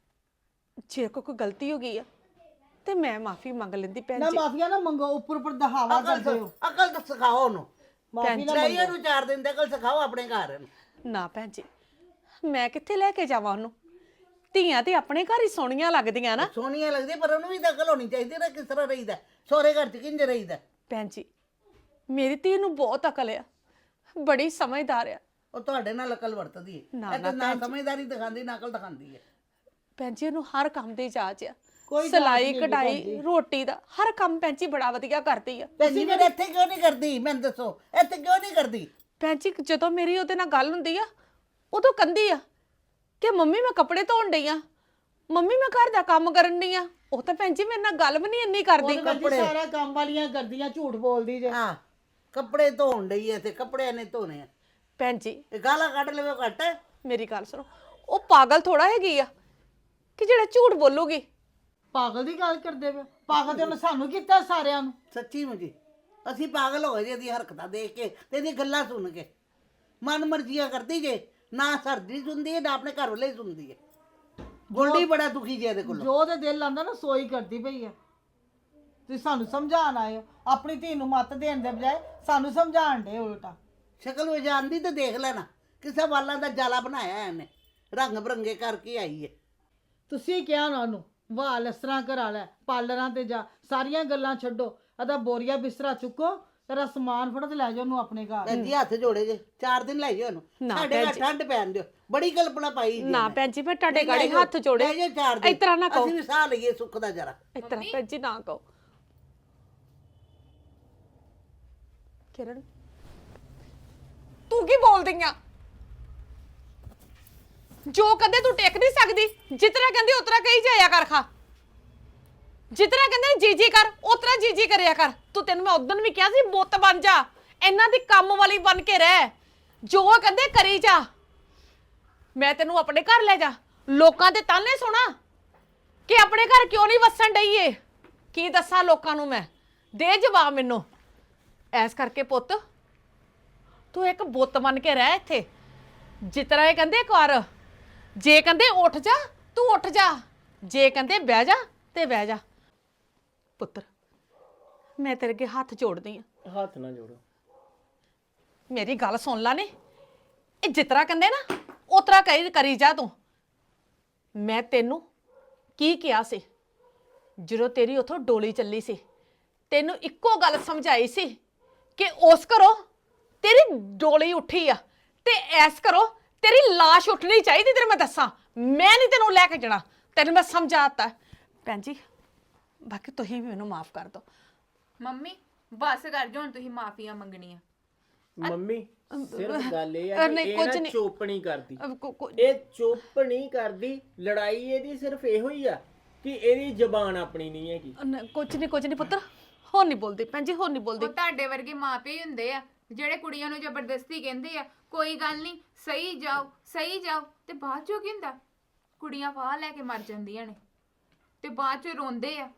Speaker 6: ਜੇ ਕੋ ਕੋਈ ਗਲਤੀ ਹੋ ਗਈ ਆ ਤੇ ਮੈਂ ਮਾਫੀ ਮੰਗ ਲੈਂਦੀ ਭੈਣ
Speaker 4: ਨਾ
Speaker 6: ਜੀ।
Speaker 4: ਮਾਫੀਆ ਨਾ ਮੰਗੋ ਉੱਪਰ ਉੱਪਰ ਦਹਾਵਾ
Speaker 3: ਅਕਲ
Speaker 4: ਕਰਦੇ ਹੋ।
Speaker 3: ਸਿ- ਅਕਲ ਤਾਂ ਸਿਖਾਓ ਉਹਨੂੰ।
Speaker 4: ਮਾਫੀ ਨਾ
Speaker 3: ਚਾਹੀਏ ਉਹਨੂੰ ਚਾਰ ਦਿਨ ਦੇ ਅਕਲ ਸਿਖਾਓ ਆਪਣੇ ਘਰ ਇਹਨੂੰ।
Speaker 6: ਨਾ ਭੈਣ ਜੀ, ਮੈਂ ਕਿੱਥੇ ਲੈ ਕੇ ਜਾਵਾਂ ਉਹਨੂੰ? ਧੀਆਂ ਤੇ ਆਪਣੇ ਘਰ ਹੀ ਸੋਹਣੀਆਂ ਲੱਗਦੀਆਂ ਨਾ।
Speaker 3: ਸੋਹਣੀਆਂ ਲੱਗਦੀ ਪਰ ਉਹਨੂੰ ਵੀ ਤਾਂ ਅਕਲ ਹੋਣੀ ਚਾਹੀਦੀ ਨਾ ਕਿਸ ਤਰ੍ਹਾਂ ਰਹੀਦਾ। ਸਹੁਰੇ ਘਰ ਚ ਕਿੰਜ ਰਹੀਦਾ।
Speaker 6: ਭੈਣ ਜੀ ਮੇਰੀ ਧੀ ਨੂੰ ਬਹੁਤ ਅਕਲ ਆ, ਬੜੀ ਸਮਝਦਾਰ ਆ।
Speaker 3: ਉਹ ਤੁਹਾਡੇ ਨਾਲ ਅਕਲ ਵਰਤਦੀ ਹੈ।
Speaker 6: ਨਾ,
Speaker 3: ਇਹ ਤਾਂ
Speaker 6: ਨਾ
Speaker 3: ਨਾ ਸਮਝਦਾਰੀ ਦਿਖਾਉਂਦੀ ਨਾ ਅਕਲ ਦਿਖਾਉਂਦੀ ਹੈ।
Speaker 6: ਭੈਣ ਜੀ ਉਹਨੂੰ ਹਰ ਕੰਮ ਦੀ ਜਾਚ ਆ।
Speaker 4: ਕੋਈ
Speaker 6: ਸਿਲਾਈ
Speaker 4: ਜਾਚ ਨਹੀਂ
Speaker 6: ਕਢਾਈ ਰੋਟੀ ਦਾ ਹਰ ਕੰਮ ਭੈਣ ਜੀ ਬੜਾ ਵਧੀਆ ਕਰਦੀ ਆ।
Speaker 3: ਭੈਣ ਜੀ ਫਿਰ ਇੱਥੇ ਕਿਉਂ ਨਹੀਂ ਕਰਦੀ ਮੈਨੂੰ ਦੱਸੋ? ਇੱਥੇ ਕਿਉਂ ਨਹੀਂ ਕਰਦੀ?
Speaker 6: ਭੈਣ ਜੀ ਜਦੋਂ ਮੇਰੀ ਉਹਦੇ ਨਾਲ ਗੱਲ ਹੁੰਦੀ ਆ ਉਦੋਂ ਕਹਿੰਦੀ ਆ ਕਿ ਮੰਮੀ ਮੈਂ ਕੱਪੜੇ ਧੋਣ ਡਈ ਆ, ਮੰਮੀ ਮੈਂ ਘਰ ਦਾ ਕੰਮ ਕਰਨ ਡਈ ਆ। ਉਹ ਤਾਂ ਭੈਣ ਜੀ ਮੇਰੇ ਨਾਲ ਗੱਲ ਵੀ ਨਹੀਂ ਇੰਨੀ ਕਰਦੀ।
Speaker 4: ਉਹਦੇ ਵਿੱਚ ਸਾਰਾ ਕੰਮ ਵਾਲੀਆਂ ਕਰਦੀਆਂ ਝੂਠ ਬੋਲਦੀ ਜੇ।
Speaker 3: ਹਾਂ ਕੱਪੜੇ ਧੋਣ ਡਈ ਹੈ ਤੇ ਕੱਪੜੇ ਇਹਨੇ ਧੋਣੇ ਆ।
Speaker 6: ਭੈਣ ਜੀ
Speaker 3: ਇਹ ਗਾਲਾਂ ਕੱਢ ਲਵੇ ਘੱਟ।
Speaker 6: ਮੇਰੀ ਗੱਲ ਸੁਣੋ, ਉਹ ਪਾਗਲ ਥੋੜਾ ਹੈਗੀ ਆ ਕਿ ਜਿਹੜਾ ਝੂਠ ਬੋਲੂਗੀ।
Speaker 4: ਪਾਗਲ ਦੀ ਗੱਲ ਕਰਦੇ ਪਏ। ਪਾਗਲ ਤੇ ਉਹਨੇ ਸਾਨੂੰ ਕੀਤਾ ਸਾਰਿਆਂ ਨੂੰ।
Speaker 3: ਸੱਚੀ ਮੁਝੀ ਅਸੀਂ ਪਾਗਲ ਹੋ ਗਏ ਜੀ ਇਹਦੀ ਹਰਕਤਾਂ ਦੇਖ ਕੇ ਤੇ ਇਹਦੀ ਗੱਲਾਂ ਸੁਣ ਕੇ। ਮਨ ਮਰਜ਼ੀਆਂ ਕਰਦੀ ਜੇ। ਨਾ ਸਰਦੀ ਸੁਣਦੀ ਹੈ ਨਾ ਆਪਣੇ ਘਰ ਵਾਲੇ ਹੀ ਸੁਣਦੀ ਹੈ। ਗੋਲਡੀ ਬੜਾ ਦੁਖੀ ਜੇ ਇਹਦੇ ਕੋਲੋਂ।
Speaker 4: ਜੋ ਉਹਦੇ ਦਿਲ ਆਂਦਾ ਨਾ ਸੋਈ ਕਰਦੀ ਪਈ ਹੈ। ਤੁਸੀਂ ਸਾਨੂੰ ਸਮਝਾਣ ਆਏ ਹੋ। ਆਪਣੀ ਧੀ ਨੂੰ ਮੱਤ ਦੇਣ ਦੇ ਬਜਾਏ ਸਾਨੂੰ ਸਮਝਾਣ ਦੇ ਉਲਟਾ।
Speaker 3: ਸ਼ਕਲ ਵਿੱਚ ਆਂਦੀ ਤੇ ਦੇਖ ਲੈਣਾ ਕਿਸੇ ਵਾਲਾਂ ਦਾ ਜਾਲਾ ਬਣਾਇਆ ਇਹਨੇ। ਰੰਗ ਬਰੰਗੇ ਕਰਕੇ ਆਈ ਹੈ।
Speaker 4: ਤੁਸੀਂ ਕਿਹਾ ਨਾ ਉਹਨੂੰ ਵਾਲ ਇਸ ਤਰ੍ਹਾਂ ਕਰਾ ਲੈ, ਪਾਰਲਰਾਂ ਤੇ ਜਾ, ਸਾਰੀਆਂ ਗੱਲਾਂ ਛੱਡੋ। ਇਹਦਾ ਬੋਰੀਆ ਬਿਸਤਰਾ ਚੁੱਕੋ, ਤੇਰਾ ਸਮਾਨ ਫੜੋ ਤੇ ਲੈ ਜਾਓ ਉਹਨੂੰ ਆਪਣੇ ਘਰ।
Speaker 3: ਭੈਣ ਜੀ ਹੱਥ ਜੋੜੇ ਜੇ ਚਾਰ ਦਿਨ ਲੈ ਜਾਓ ਉਹਨੂੰ।
Speaker 6: ਨਾ
Speaker 3: ਸਾਡੇ ਘਰ ਠੰਡ ਪੈਣ ਦਿਓ। ਬੜੀ ਕਲਪਨਾ ਪਾਈ ਜੀ
Speaker 6: ਨਾ
Speaker 3: ਇਹਨੇ।
Speaker 6: ਭੈਣ ਜੀ ਮੈਂ ਤੁਹਾਡੇ
Speaker 3: ਨਹੀਂ,
Speaker 6: ਗਾੜੀ
Speaker 3: ਲੈ ਜਾਓ,
Speaker 6: ਹੱਥ ਜੋੜੇ।
Speaker 3: ਲੈ ਜਾਓ ਚਾਰ ਦਿਨ।
Speaker 6: ਇਸ ਤਰ੍ਹਾਂ ਨਾ ਕਹੋ,
Speaker 3: ਅਸੀਂ ਵੀ ਸਾਹ ਲਈਏ ਸੁੱਖ ਦਾ ਜਰਾ।
Speaker 6: ਇਸ ਤਰ੍ਹਾਂ ਭੈਣ ਜੀ ਨਾ ਕਹੋ। ਕਿਰਨ ਤੂੰ ਕੀ ਬੋਲਦੀ ਆ? ਜੋ ਕਦੇ ਤੂੰ ਟਿਕ ਨਹੀਂ ਸਕਦੀ, ਜਿਤਨਾ ਕਹਿੰਦੀ ਉਤਰਾ ਕਹੀ ਜਾਇਆ ਕਰ। ਖਾ ਜਿਤਨਾ ਕਹਿੰਦੇ ਜੀ ਜੀ ਕਰ ਉਤਰਾ ਜੀ ਜੀ ਕਰਿਆ ਕਰ। ਤੂੰ ਤੈਨੂੰ ਮੈਂ ਉਦੋਂ ਵੀ ਕਿਹਾ ਸੀ ਬੁੱਤ ਬਣ ਜਾ, ਇਹਨਾਂ ਦੀ ਕੰਮ ਵਾਲੀ ਬਣ ਕੇ ਰਹਿ, ਜੋ ਕਹਿੰਦੇ ਕਰੀ ਜਾ। ਮੈਂ ਤੈਨੂੰ ਆਪਣੇ ਘਰ ਲੈ ਜਾ, ਲੋਕਾਂ ਦੇ ਤਾਨੇ ਸੁਣਾ ਕਿ ਆਪਣੇ ਘਰ ਕਿਉਂ ਨਹੀਂ ਵਸਣ ਡਈ ਏ। ਕੀ ਦੱਸਾਂ ਲੋਕਾਂ ਨੂੰ ਮੈਂ? ਦੇ ਜਵਾਬ ਮੈਨੂੰ। ਐਸ ਕਰਕੇ ਪੁੱਤ ਤੂੰ ਇੱਕ ਬੁੱਤ ਬਣ ਕੇ ਰਹਿ ਇੱਥੇ। ਜਿਤਨਾ ਇਹ ਕਹਿੰਦੇ ਕਰ, ਜੇ ਕਹਿੰਦੇ ਉੱਠ ਜਾ ਤੂੰ ਉੱਠ ਜਾ, ਜੇ ਕਹਿੰਦੇ ਬਹਿ ਜਾ ਤੇ ਬਹਿ ਜਾ। ਪੁੱਤਰ ਮੈਂ ਤੇਰੇ ਅੱਗੇ ਹੱਥ ਜੋੜਦੀ ਆ,
Speaker 5: ਹੱਥ ਨਾ ਜੋੜੋ।
Speaker 6: ਮੇਰੀ ਗੱਲ ਸੁਣ ਲੈ ਨੇ। ਇਹ ਜਿਤਰਾ ਕਹਿੰਦੇ ਨਾ ਉਤਰਾ ਕਰੀ ਕਰੀ ਜਾ ਤੂੰ। ਮੈਂ ਤੈਨੂੰ ਕੀ ਕਿਹਾ ਸੀ ਜਦੋਂ ਤੇਰੀ ਉਥੋਂ ਡੋਲੀ ਚੱਲੀ ਸੀ? ਤੈਨੂੰ ਇੱਕੋ ਗੱਲ ਸਮਝਾਈ ਸੀ ਕਿ ਉਸ ਘਰੋਂ ਤੇਰੀ ਡੋਲੀ ਉੱਠੀ ਆ ਤੇ ਐਸ ਘਰੋਂ ਤੇਰੀ ਲਾਸ਼ ਉੱਠਣੀ ਚਾਹੀਦੀ। ਤੈਨੂੰ ਮੈਂ ਦੱਸਾਂ, ਮੈਂ ਨਹੀਂ ਤੈਨੂੰ ਲੈ ਕੇ ਜਾਣਾ, ਤੈਨੂੰ ਮੈਂ ਸਮਝਾਤਾ। ਭੈਣ ਜੀ ਬਾਕੀ ਤੁਸੀਂ ਵੀ ਮੈਨੂੰ ਮਾਫ ਕਰ ਦਿਓ।
Speaker 2: ਮੰਮੀ ਬਸ ਕਰ ਜੋ ਹੁਣ ਤੁਸੀਂ ਮਾਫੀਆਂ ਮੰਗਣੀਆਂ।
Speaker 5: ਮੰਮੀ ਸਿਰਫ ਗੱਲ ਇਹ
Speaker 6: ਅ,
Speaker 5: ਆ ਕਿ
Speaker 6: ਨਹੀਂ,
Speaker 5: ਇਹ
Speaker 6: ਕੁਝ
Speaker 5: ਨਾ
Speaker 6: ਨਹੀਂ।
Speaker 5: ਚੁੱਪ ਨਹੀਂ ਕਰਦੀ।
Speaker 6: ਅਹ ਕੋ- ਕੋ-
Speaker 5: ਇਹ ਚੁੱਪ ਨਹੀਂ ਕਰਦੀ। ਲੜਾਈ ਇਹਦੀ ਸਿਰਫ ਇਹੋ ਹੀ ਆ ਕਿ ਇਹਦੀ ਜ਼ਬਾਨ ਆਪਣੀ ਨਹੀਂ ਹੈਗੀ।
Speaker 6: ਨ- ਕੁਝ ਨਹੀਂ ਕੁਝ ਨਹੀਂ ਪੁੱਤਰ, ਹੋਰ ਨਹੀਂ ਬੋਲਦੀ ਭੈਣ ਜੀ, ਹੋਰ ਨਹੀਂ ਬੋਲਦੀ।
Speaker 2: ਉਹ ਤੁਹਾਡੇ ਵਰਗੇ ਮਾਪੇ ਹੀ ਹੁੰਦੇ ਆ ਜਿਹੜੇ ਕੁੜੀਆਂ ਨੂੰ ਜ਼ਬਰਦਸਤੀ ਕਹਿੰਦੇ ਆ ਕੋਈ ਗੱਲ ਨਹੀਂ ਸਹੀ ਜਾਓ ਸਹੀ ਜਾਓ, ਤੇ ਬਾਅਦ ਚੋਂ ਕੀ ਹੁੰਦਾ? ਕੁੜੀਆਂ ਫਾਹ ਲੈ ਕੇ ਮਰ ਜਾਂਦੀਆਂ ਨੇ ਤੇ ਬਾਅਦ ਚੋਂ ਰੋਂਦੇ ਆ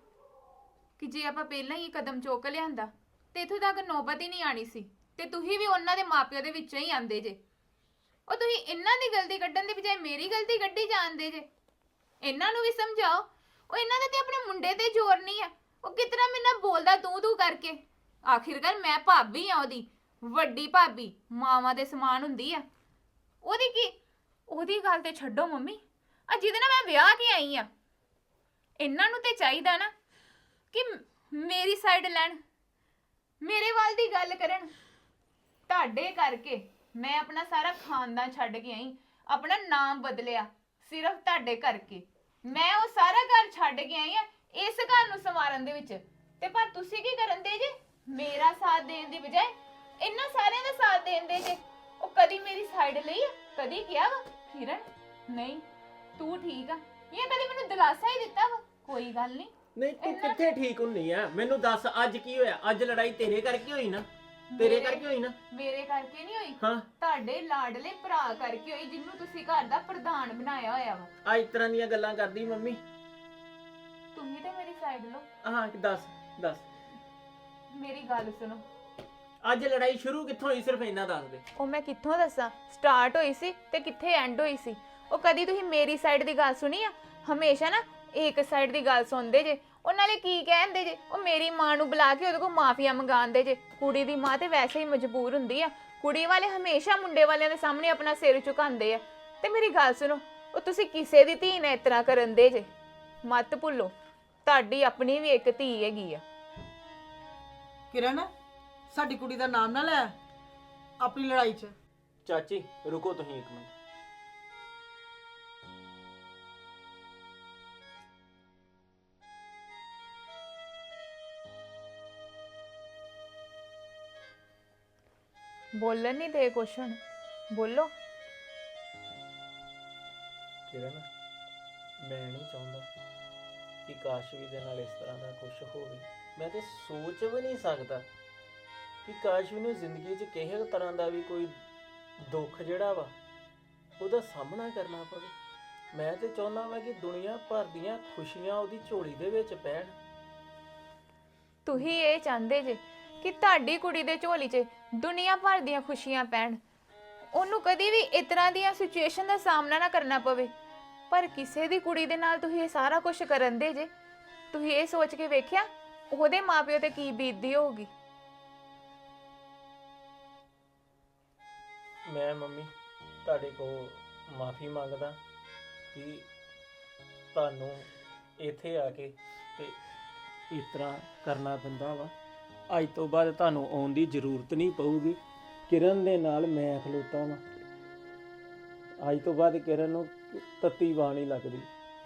Speaker 2: ਕਿ ਜੇ ਆਪਾਂ ਪਹਿਲਾਂ ਹੀ ਕਦਮ ਚੁੱਕ ਲਿਆਂਦਾ ਤੇ ਇੱਥੋਂ ਤੱਕ ਨੌਬਤ ਹੀ ਨਹੀਂ ਆਣੀ ਸੀ। ਤੇ ਤੁਸੀਂ ਵੀ ਉਹਨਾਂ ਦੇ ਮਾਪਿਆਂ ਦੇ ਵਿੱਚੋਂ ਹੀ ਆਂਦੇ ਜੇ। ਉਹ ਤੁਸੀਂ ਇਹਨਾਂ ਦੀ ਗਲਤੀ ਕੱਢਣ ਦੀ ਬਜਾਏ ਮੇਰੀ ਗਲਤੀ ਕੱਢੀ ਜਾਂਦੇ ਜੇ। ਇਹਨਾਂ ਨੂੰ ਵੀ ਸਮਝਾਓ। ਉਹ ਇਹਨਾਂ ਦੇ ਤੇ ਆਪਣੇ ਮੁੰਡੇ ਤੇ ਜ਼ੋਰ ਨਹੀਂ ਆ। ਉਹ ਕਿਤਨਾ ਮੇਰੇ ਨਾਲ ਬੋਲਦਾ ਤੂੰ ਤੂੰ ਕਰਕੇ। ਆਖਿਰਕਾਰ ਮੈਂ ਭਾਬੀ ਆ ਉਹਦੀ, ਵੱਡੀ ਭਾਬੀ, ਮਾਵਾਂ ਦੇ ਸਮਾਨ ਹੁੰਦੀ ਆ। ਉਹਦੀ ਕੀ ਉਹਦੀ ਗੱਲ ਤੇ ਛੱਡੋ ਮੰਮੀ, ਆ ਜਿਹਦੇ ਨਾਲ ਮੈਂ ਵਿਆਹ ਕੇ ਆਈ ਆ, ਇਹਨਾਂ ਨੂੰ ਤੇ ਚਾਹੀਦਾ ਨਾ ਕਿ ਮੇਰੀ ਸਾਈਡ ਲੈਣ, ਮੇਰੇ ਵੱਲ ਦੀ ਗੱਲ ਕਰਨ। ਤੁਹਾਡੇ ਕਰਕੇ ਮੈਂ ਆਪਣਾ ਸਾਰਾ ਖਾਨਦਾਨ ਛੱਡ ਕੇ ਆਈ, ਆਪਣਾ ਨਾਮ ਬਦਲਿਆ ਸਿਰਫ ਤੁਹਾਡੇ ਕਰਕੇ। ਮੈਂ ਉਹ ਸਾਰਾ ਘਰ ਛੱਡ ਕੇ ਆਈ ਆ ਇਸ ਘਰ ਨੂੰ ਸੰਵਾਰਨ ਦੇ ਵਿੱਚ। ਤੇ ਪਰ ਤੁਸੀਂ ਕੀ ਕਰਨ ਦੇ ਜੇ? ਮੇਰਾ ਸਾਥ ਦੇਣ ਦੀ ਬਜਾਏ ਇਹਨਾਂ ਸਾਰਿਆਂ ਦਾ ਸਾਥ ਦੇਣ ਦੇ ਜੇ। ਉਹ ਕਦੀ ਮੇਰੀ ਸਾਈਡ ਲਈ ਆ? ਕਦੀ ਕਿਹਾ ਵਾ ਕਿਰਨ ਨਹੀਂ ਤੂੰ ਠੀਕ ਆ? ਇਹ ਕਦੀ ਮੈਨੂੰ ਦਿਲਾਸਾ ਹੀ ਦਿੱਤਾ ਵਾ ਕੋਈ ਗੱਲ ਨਹੀਂ?
Speaker 5: ਨਹੀਂ ਤੂੰ ਕਿੱਥੇ ਠੀਕ ਹੁੰਨੀ ਆ? ਮੈਨੂੰ ਦੱਸ ਅੱਜ ਕੀ ਹੋਇਆ? ਅੱਜ ਲੜਾਈ ਤੇਰੇ ਕਰਕੇ ਹੋਈ ਨਾ? ਤੇਰੇ ਕਰਕੇ ਹੋਈ ਨਾ?
Speaker 2: ਮੇਰੇ ਕਰਕੇ ਨਹੀਂ ਹੋਈ,
Speaker 5: ਹਾਂ
Speaker 2: ਤੁਹਾਡੇ ਲਾਡਲੇ ਭਰਾ ਕਰਕੇ ਹੋਈ ਜਿਹਨੂੰ ਤੁਸੀਂ ਘਰ ਦਾ ਪ੍ਰਧਾਨ ਬਣਾਇਆ ਹੋਇਆ ਵਾ।
Speaker 5: ਆ ਇਸ ਤਰ੍ਹਾਂ ਦੀਆਂ ਗੱਲਾਂ ਕਰਦੀ ਮੰਮੀ।
Speaker 2: ਤੁਸੀਂ ਤੇ ਮੇਰੀ ਸਾਈਡ ਲਓ।
Speaker 5: ਹਾਂ ਦੱਸ ਦੱਸ
Speaker 2: ਮੇਰੀ ਗੱਲ ਸੁਣੋ।
Speaker 5: ਅੱਜ ਲੜਾਈ ਸ਼ੁਰੂ ਕਿੱਥੋਂ ਹੋਈ? ਸਿਰਫ ਇੰਨਾ ਦੱਸ ਦੇ।
Speaker 2: ਉਹ ਮੈਂ ਕਿੱਥੋਂ ਦੱਸਾਂ? ਸਟਾਰਟ ਹੋਈ ਸੀ ਤੇ ਕਿੱਥੇ ਐਂਡ ਹੋਈ ਸੀ? ਉਹ ਕਦੀ ਤੁਸੀਂ ਮੇਰੀ ਸਾਈਡ ਦੀ ਗੱਲ ਸੁਣੀ ਆ? ਹਮੇਸ਼ਾ ਨਾ ਇੱਕ ਸਾਈਡ ਦੀ ਗੱਲ ਸੁਣਦੇ ਜੇ। ਉਹ ਨਾਲੇ ਕੀ ਕਹਿੰਦੇ ਜੇ? ਉਹ ਮੇਰੀ ਮਾਂ ਨੂੰ ਬੁਲਾ ਕੇ ਉਹਦੇ ਕੋਲ ਮਾਫੀਆ ਮੰਗਾਉਂਦੇ ਜੇ। ਕੁੜੀ ਦੀ ਮਾਂ ਤੇ ਵੈਸੇ ਹੀ ਮਜਬੂਰ ਹੁੰਦੀ ਆ। ਕੁੜੀ ਵਾਲੇ ਹਮੇਸ਼ਾ ਮੁੰਡੇ ਵਾਲਿਆਂ ਦੇ ਸਾਹਮਣੇ ਆਪਣਾ ਸਿਰ ਝੁਕਾਉਂਦੇ ਆ। ਤੇ ਮੇਰੀ ਗੱਲ ਸੁਣੋ, ਉਹ ਤੁਸੀਂ ਕਿਸੇ ਦੀ ਧੀ ਨਾਲ ਇਸ ਤਰ੍ਹਾਂ ਕਰਨ ਦੇ ਜੇ। ਮਤ ਭੁੱਲੋ ਤੁਹਾਡੀ ਆਪਣੀ ਵੀ ਇੱਕ ਧੀ ਹੈਗੀ ਆ।
Speaker 4: ਕਿਰਨ ਸਾਡੀ ਕੁੜੀ ਦਾ ਨਾਮ ਨਾ ਲੈ ਆਪਣੀ ਲੜਾਈ 'ਚ।
Speaker 5: ਚਾਚੀ ਰੁਕੋ ਤੁਸੀਂ ਇੱਕ ਮਿੰਟ।
Speaker 2: ਬੋਲਣ ਨਹੀਂ ਦੇ ਕੁਛ ਹੁਣ, ਬੋਲੋ।
Speaker 5: ਕਿਰਨ ਮੈਂ ਨਹੀਂ ਚਾਹੁੰਦਾ ਕਿ ਕਾਸ਼ਵੀ ਦੇ ਨਾਲ ਇਸ ਤਰ੍ਹਾਂ ਦਾ ਕੁਝ ਹੋਵੇ। ਮੈਂ ਤੇ ਸੋਚ ਵੀ ਨਹੀਂ ਸਕਦਾ ਕਿ ਕਾਸ਼ਵੀ ਨੂੰ ਜ਼ਿੰਦਗੀ 'ਚ ਕਿਸੇ ਤਰ੍ਹਾਂ ਦਾ ਵੀ ਕੋਈ ਦੁੱਖ ਜਿਹੜਾ ਵਾ ਉਹਦਾ ਸਾਹਮਣਾ ਕਰਨਾ ਪਵੇ। ਮੈਂ ਤੇ ਚਾਹੁੰਦਾ ਵਾਂ ਕਿ ਦੁਨੀਆ ਭਰ ਦੀਆਂ ਖੁਸ਼ੀਆਂ ਉਹਦੀ ਝੋਲੀ ਦੇ ਵਿੱਚ ਪੈਣ।
Speaker 2: ਤੁਸੀਂ ਇਹ ਚਾਹੁੰਦੇ ਜੇ ਕਿ ਤੁਹਾਡੀ ਕੁੜੀ ਦੇ ਝੋਲੀ 'ਚ ਦੁਨੀਆ ਭਰ ਦੀਆਂ ਖੁਸ਼ੀਆਂ ਪੈਣ, ਉਹਨੂੰ ਕਦੀ ਵੀ ਇਸ ਤਰ੍ਹਾਂ ਦੀਆਂ ਸਿਚੁਏਸ਼ਨ ਦਾ ਸਾਹਮਣਾ ਨਾ ਕਰਨਾ ਪਵੇ। ਪਰ ਕਿਸੇ ਦੀ ਕੁੜੀ ਦੇ ਨਾਲ ਤੁਸੀਂ ਇਹ ਸਾਰਾ ਕੁਝ ਕਰਨ ਦੇ ਜੇ। ਤੁਸੀਂ ਇਹ ਸੋਚ ਕੇ ਵੇਖਿਆ ਉਹਦੇ ਮਾਪਿਓ ਤੇ ਕੀ ਬੀਤਦੀ ਹੋਊਗੀ?
Speaker 5: ਮੈਂ ਮੰਮੀ ਤੁਹਾਡੇ ਕੋਲ ਮਾਫੀ ਮੰਗਦਾ ਕਿ ਤੁਹਾਨੂੰ ਇੱਥੇ ਆ ਕੇ ਤੇ ਇਸ ਤਰ੍ਹਾਂ ਕਰਨਾ ਪੈਂਦਾ ਵਾ। ਅੱਜ ਤੋਂ ਬਾਅਦ ਤੁਹਾਨੂੰ ਆਉਣ ਦੀ ਜ਼ਰੂਰਤ ਨਹੀਂ ਪਊਗੀ। ਕਿਰਨ ਦੇ ਨਾਲ ਮੈਂ ਖਲੋਤਾ ਵਾਂ। ਅੱਜ ਤੋਂ ਬਾਅਦ ਕਿਰਨ ਨੂੰ ਤੱਤੀ ਬਾਹ ਨਹੀਂ ਲੱਗਦੀ।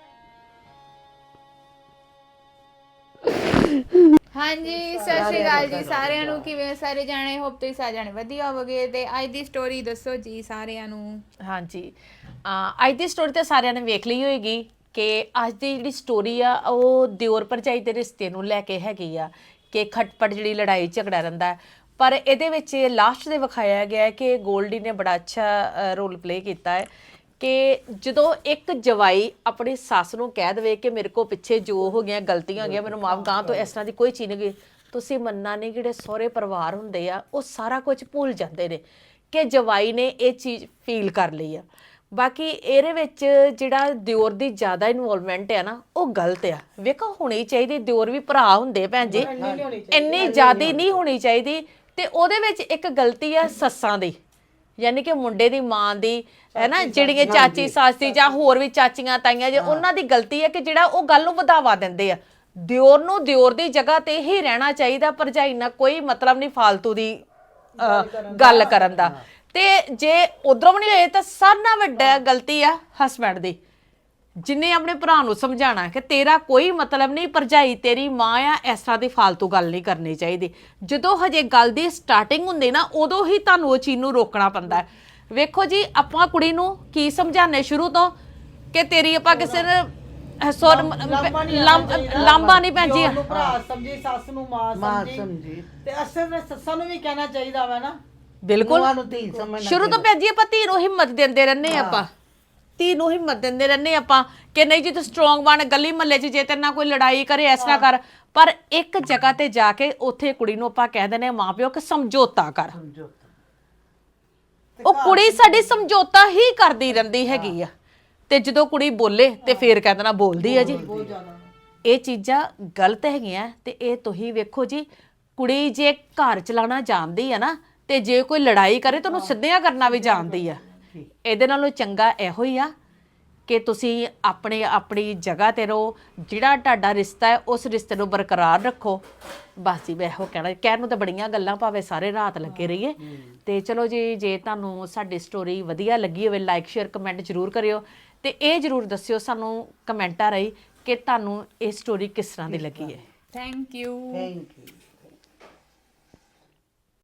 Speaker 2: ਹਾਂਜੀ ਸਤਿ ਸ਼੍ਰੀ ਅਕਾਲ ਜੀ ਸਾਰਿਆਂ ਨੂੰ। ਕਿਵੇਂ ਸਾਰੇ ਜਾਣੇ? ਹੋਪ ਤੁਸੀਂ ਸਾਰੇ ਜਾਣੇ ਵਧੀਆ ਹੋਵੋਗੇ। ਤੇ ਅੱਜ ਦੀ ਸਟੋਰੀ ਦੱਸੋ ਜੀ ਸਾਰਿਆਂ ਨੂੰ।
Speaker 6: ਹਾਂਜੀ ਅਹ ਅੱਜ ਦੀ ਸਟੋਰੀ ਤਾਂ ਸਾਰਿਆਂ ਨੇ ਵੇਖ ਲਈ ਹੋਏਗੀ ਕਿ ਅੱਜ ਦੀ ਜਿਹੜੀ ਸਟੋਰੀ ਆ ਉਹ ਦਿਓਰ ਭਰਜਾਈ ਦੇ ਰਿਸ਼ਤੇ ਨੂੰ ਲੈ ਕੇ ਹੈਗੀ ਆ ਕਿ ਖਟਪਟ ਜਿਹੜੀ ਲੜਾਈ ਝਗੜਾ ਰਹਿੰਦਾ ਹੈ। ਪਰ ਇਹਦੇ ਵਿੱਚ ਲਾਸਟ ਦੇ ਵਿਖਾਇਆ ਗਿਆ ਹੈ ਕਿ ਗੋਲਡੀ ਨੇ ਬੜਾ ਅੱਛਾ ਰੋਲ ਪਲੇ ਕੀਤਾ ਹੈ ਕਿ ਜਦੋਂ ਇੱਕ ਜਵਾਈ ਆਪਣੀ ਸੱਸ ਨੂੰ ਕਹਿ ਦੇਵੇ ਕਿ ਮੇਰੇ ਕੋ ਪਿੱਛੇ ਜੋ ਹੋ ਗਿਆ ਗਲਤੀਆਂ ਹੋ ਗਈਆਂ ਮੈਨੂੰ ਮਾਫ, ਗਾਂ ਤੋਂ ਇਸ ਤਰ੍ਹਾਂ ਦੀ ਕੋਈ ਚੀਜ਼ ਨਹੀਂ ਗਈ, ਤੁਸੀਂ ਮੰਨਣਾ ਨਹੀਂ ਜਿਹੜੇ ਸਹੁਰੇ ਪਰਿਵਾਰ ਹੁੰਦੇ ਆ ਉਹ ਸਾਰਾ ਕੁਝ ਭੁੱਲ ਜਾਂਦੇ ਨੇ ਕਿ ਜਵਾਈ ਨੇ ਇਹ ਚੀਜ਼ ਫੀਲ ਕਰ ਲਈ ਆ। ਬਾਕੀ ਇਹਦੇ ਵਿੱਚ ਜਿਹੜਾ ਦਿਓਰ ਦੀ ਜ਼ਿਆਦਾ ਇਨਵੋਲਵਮੈਂਟ ਹੈ ਨਾ ਉਹ ਗਲਤ ਆ। ਵੇਖੋ ਹੋਣੀ ਚਾਹੀਦੀ, ਦਿਓਰ ਵੀ ਭਰਾ ਹੁੰਦੇ ਭੈਣ ਜੀ, ਇੰਨੀ ਜ਼ਿਆਦਾ ਨਹੀਂ ਹੋਣੀ ਚਾਹੀਦੀ। ਤੇ ਉਹਦੇ ਵਿੱਚ ਇੱਕ ਗਲਤੀ ਆ ਸੱਸਾਂ ਦੀ, ਯਾਨੀ ਕਿ ਮੁੰਡੇ ਦੀ ਮਾਂ ਦੀ ਹੈ ਨਾ ਜਿਹੜੀਆਂ ਚਾਚੀ ਸਾਸੀ ਜਾਂ ਹੋਰ ਵੀ ਚਾਚੀਆਂ ਤਾਈਆਂ ਜੇ ਉਹਨਾਂ ਦੀ ਗਲਤੀ ਹੈ ਕਿ ਜਿਹੜਾ ਉਹ ਗੱਲ ਨੂੰ ਵਧਾਵਾ ਦਿੰਦੇ ਆ। ਦਿਓਰ ਨੂੰ ਦਿਓਰ ਦੀ ਜਗ੍ਹਾ ਤੇ ਹੀ ਰਹਿਣਾ ਚਾਹੀਦਾ, ਭਰਜਾਈ ਨਾਲ ਕੋਈ ਮਤਲਬ ਨਹੀਂ ਫਾਲਤੂ ਦੀ ਅਹ, ਗੱਲ ਕਰਨ ਦਾ। ਤੇ ਜੇ ਉਧਰੋਂ ਨਹੀਂ ਹੋਏ ਤਾਂ ਸਾਰਿਆਂ ਨਾਲੋਂ ਵੱਡਾ ਗਲਤੀ ਆ ਹਸਬੈਂਡ ਦੀ, ਜਿਨੇ ਆਪਣੇ ਭਰਾ ਨੂੰ ਸਮਝਾਣਾ ਕਿ ਤੇਰਾ ਕੋਈ ਮਤਲਬ ਨਹੀਂ, ਭਰਜਾਈ ਤੇਰੀ ਮਾਂ ਆ, ਇਸ ਤਰ੍ਹਾਂ ਦੀ ਫਾਲਤੂ ਗੱਲ ਨਹੀਂ ਕਰਨੀ ਚਾਹੀਦੀ। ਜਦੋਂ ਹਜੇ ਗੱਲ ਦੀ ਸਟਾਰਟਿੰਗ ਹੁੰਦੀ ਨਾ ਉਦੋਂ ਹੀ ਤੁਹਾਨੂੰ ਉਹ ਚੀਜ਼ ਨੂੰ ਰੋਕਣਾ ਪੈਂਦਾ ਹੈ। ਵੇਖੋ ਜੀ ਆਪਾਂ ਕੁੜੀ ਨੂੰ ਕੀ ਸਮਝਾਣੇ ਸ਼ੁਰੂ ਤੋਂ ਕਿ ਤੇਰੀ ਆਪਾਂ ਕਿਸੇ ਨੇ ਸੋਰ ਲਾਂਬਾ ਨਹੀਂ ਭੈਣ ਜੀ,
Speaker 4: ਉਹਨੂੰ ਭਰਾ ਸਮਝੀ, ਸੱਸ ਨੂੰ ਮਾਂ
Speaker 3: ਮਾਂ
Speaker 4: ਸਮਝੀ
Speaker 3: ਸਮਝੀ
Speaker 4: ਤੇ ਅਸਲ ਵਿੱਚ ਸੱਸਾਂ ਨੂੰ ਵੀ ਕਹਿਣਾ ਚਾਹੀਦਾ ਵਾ ਨਾ।
Speaker 6: ਬਿਲਕੁਲ
Speaker 3: ਨੂੰਹਾਂ ਨੂੰ ਧੀ ਸਮਝਣਾ
Speaker 6: ਸ਼ੁਰੂ ਤੋਂ ਭੈਣ ਜੀ ਆਪਾਂ ਧੀ ਨੂੰ ਹਿੰਮਤ ਦਿੰਦੇ ਰਹਿੰਦੇ ਆਪਾਂ, ਧੀ ਨੂੰ ਹਿੰਮਤ ਦਿੰਦੇ ਰਹਿੰਦੇ ਆਪਾਂ ਕਿ ਨਹੀਂ ਜੀ ਤੂੰ ਸਟਰੋਂਗ ਬਣ, ਗਲੀ ਮਹੱਲੇ 'ਚ ਜੇ ਤੇਰੇ ਨਾਲ ਕੋਈ ਲੜਾਈ ਕਰੇ ਇਸ ਤਰ੍ਹਾਂ ਕਰ। ਪਰ ਇੱਕ ਜਗ੍ਹਾ ਤੇ ਜਾ ਕੇ ਉੱਥੇ ਕੁੜੀ ਨੂੰ ਆਪਾਂ ਕਹਿ ਦਿੰਦੇ ਆ ਮਾਂ ਪਿਓ ਕਿ ਸਮਝੌਤਾ ਕਰ। ਉਹ ਕੁੜੀ ਸਾਡੀ ਸਮਝੌਤਾ ਹੀ ਕਰਦੀ ਰਹਿੰਦੀ ਹੈਗੀ ਆ, ਤੇ ਜਦੋਂ ਕੁੜੀ ਬੋਲੇ ਤੇ ਫੇਰ ਕਹਿ ਦੇਣਾ ਬੋਲਦੀ ਆ ਜੀ। ਇਹ ਚੀਜ਼ਾਂ ਗਲਤ ਹੈਗੀਆਂ। ਤੇ ਇਹ ਤੁਸੀਂ ਵੇਖੋ ਜੀ, ਕੁੜੀ ਜੇ ਘਰ ਚਲਾਉਣਾ ਜਾਣਦੀ ਆ ਨਾ ਤੇ ਜੇ ਕੋਈ ਲੜਾਈ ਕਰੇ ਤਾਂ ਉਹਨੂੰ ਸਿੱਧਿਆਂ ਕਰਨਾ ਵੀ ਜਾਣਦੀ ਆ। ਇਹਦੇ ਨਾਲੋਂ ਚੰਗਾ ਇਹੋ ਹੀ ਆ ਕਿ ਤੁਸੀਂ ਆਪਣੇ ਆਪਣੀ ਜਗ੍ਹਾ ਤੇ ਰਹੋ, ਜਿਹੜਾ ਤੁਹਾਡਾ ਰਿਸ਼ਤਾ ਹੈ ਉਸ ਰਿਸ਼ਤੇ ਨੂੰ ਬਰਕਰਾਰ ਰੱਖੋ। ਬਸ ਜੀ ਮੈਂ ਇਹੋ ਕਹਿਣਾ, ਕਹਿਣ ਨੂੰ ਤਾਂ ਬੜੀਆਂ ਗੱਲਾਂ ਭਾਵੇਂ ਸਾਰੇ ਰਾਤ ਲੱਗੇ ਰਹੀਏ। ਤੇ ਚਲੋ ਜੀ, ਜੇ ਤੁਹਾਨੂੰ ਸਾਡੀ ਸਟੋਰੀ ਵਧੀਆ ਲੱਗੀ ਹੋਵੇ ਲਾਈਕ ਸ਼ੇਅਰ ਕਮੈਂਟ ਜ਼ਰੂਰ ਕਰਿਓ, ਤੇ ਇਹ ਜ਼ਰੂਰ ਦੱਸਿਓ ਸਾਨੂੰ ਕਮੈਂਟਾਂ ਰਾਹੀਂ ਕਿ ਤੁਹਾਨੂੰ ਇਹ ਸਟੋਰੀ ਕਿਸ ਤਰ੍ਹਾਂ ਦੀ ਲੱਗੀ ਹੈ।
Speaker 2: Thank you.
Speaker 3: Thank you.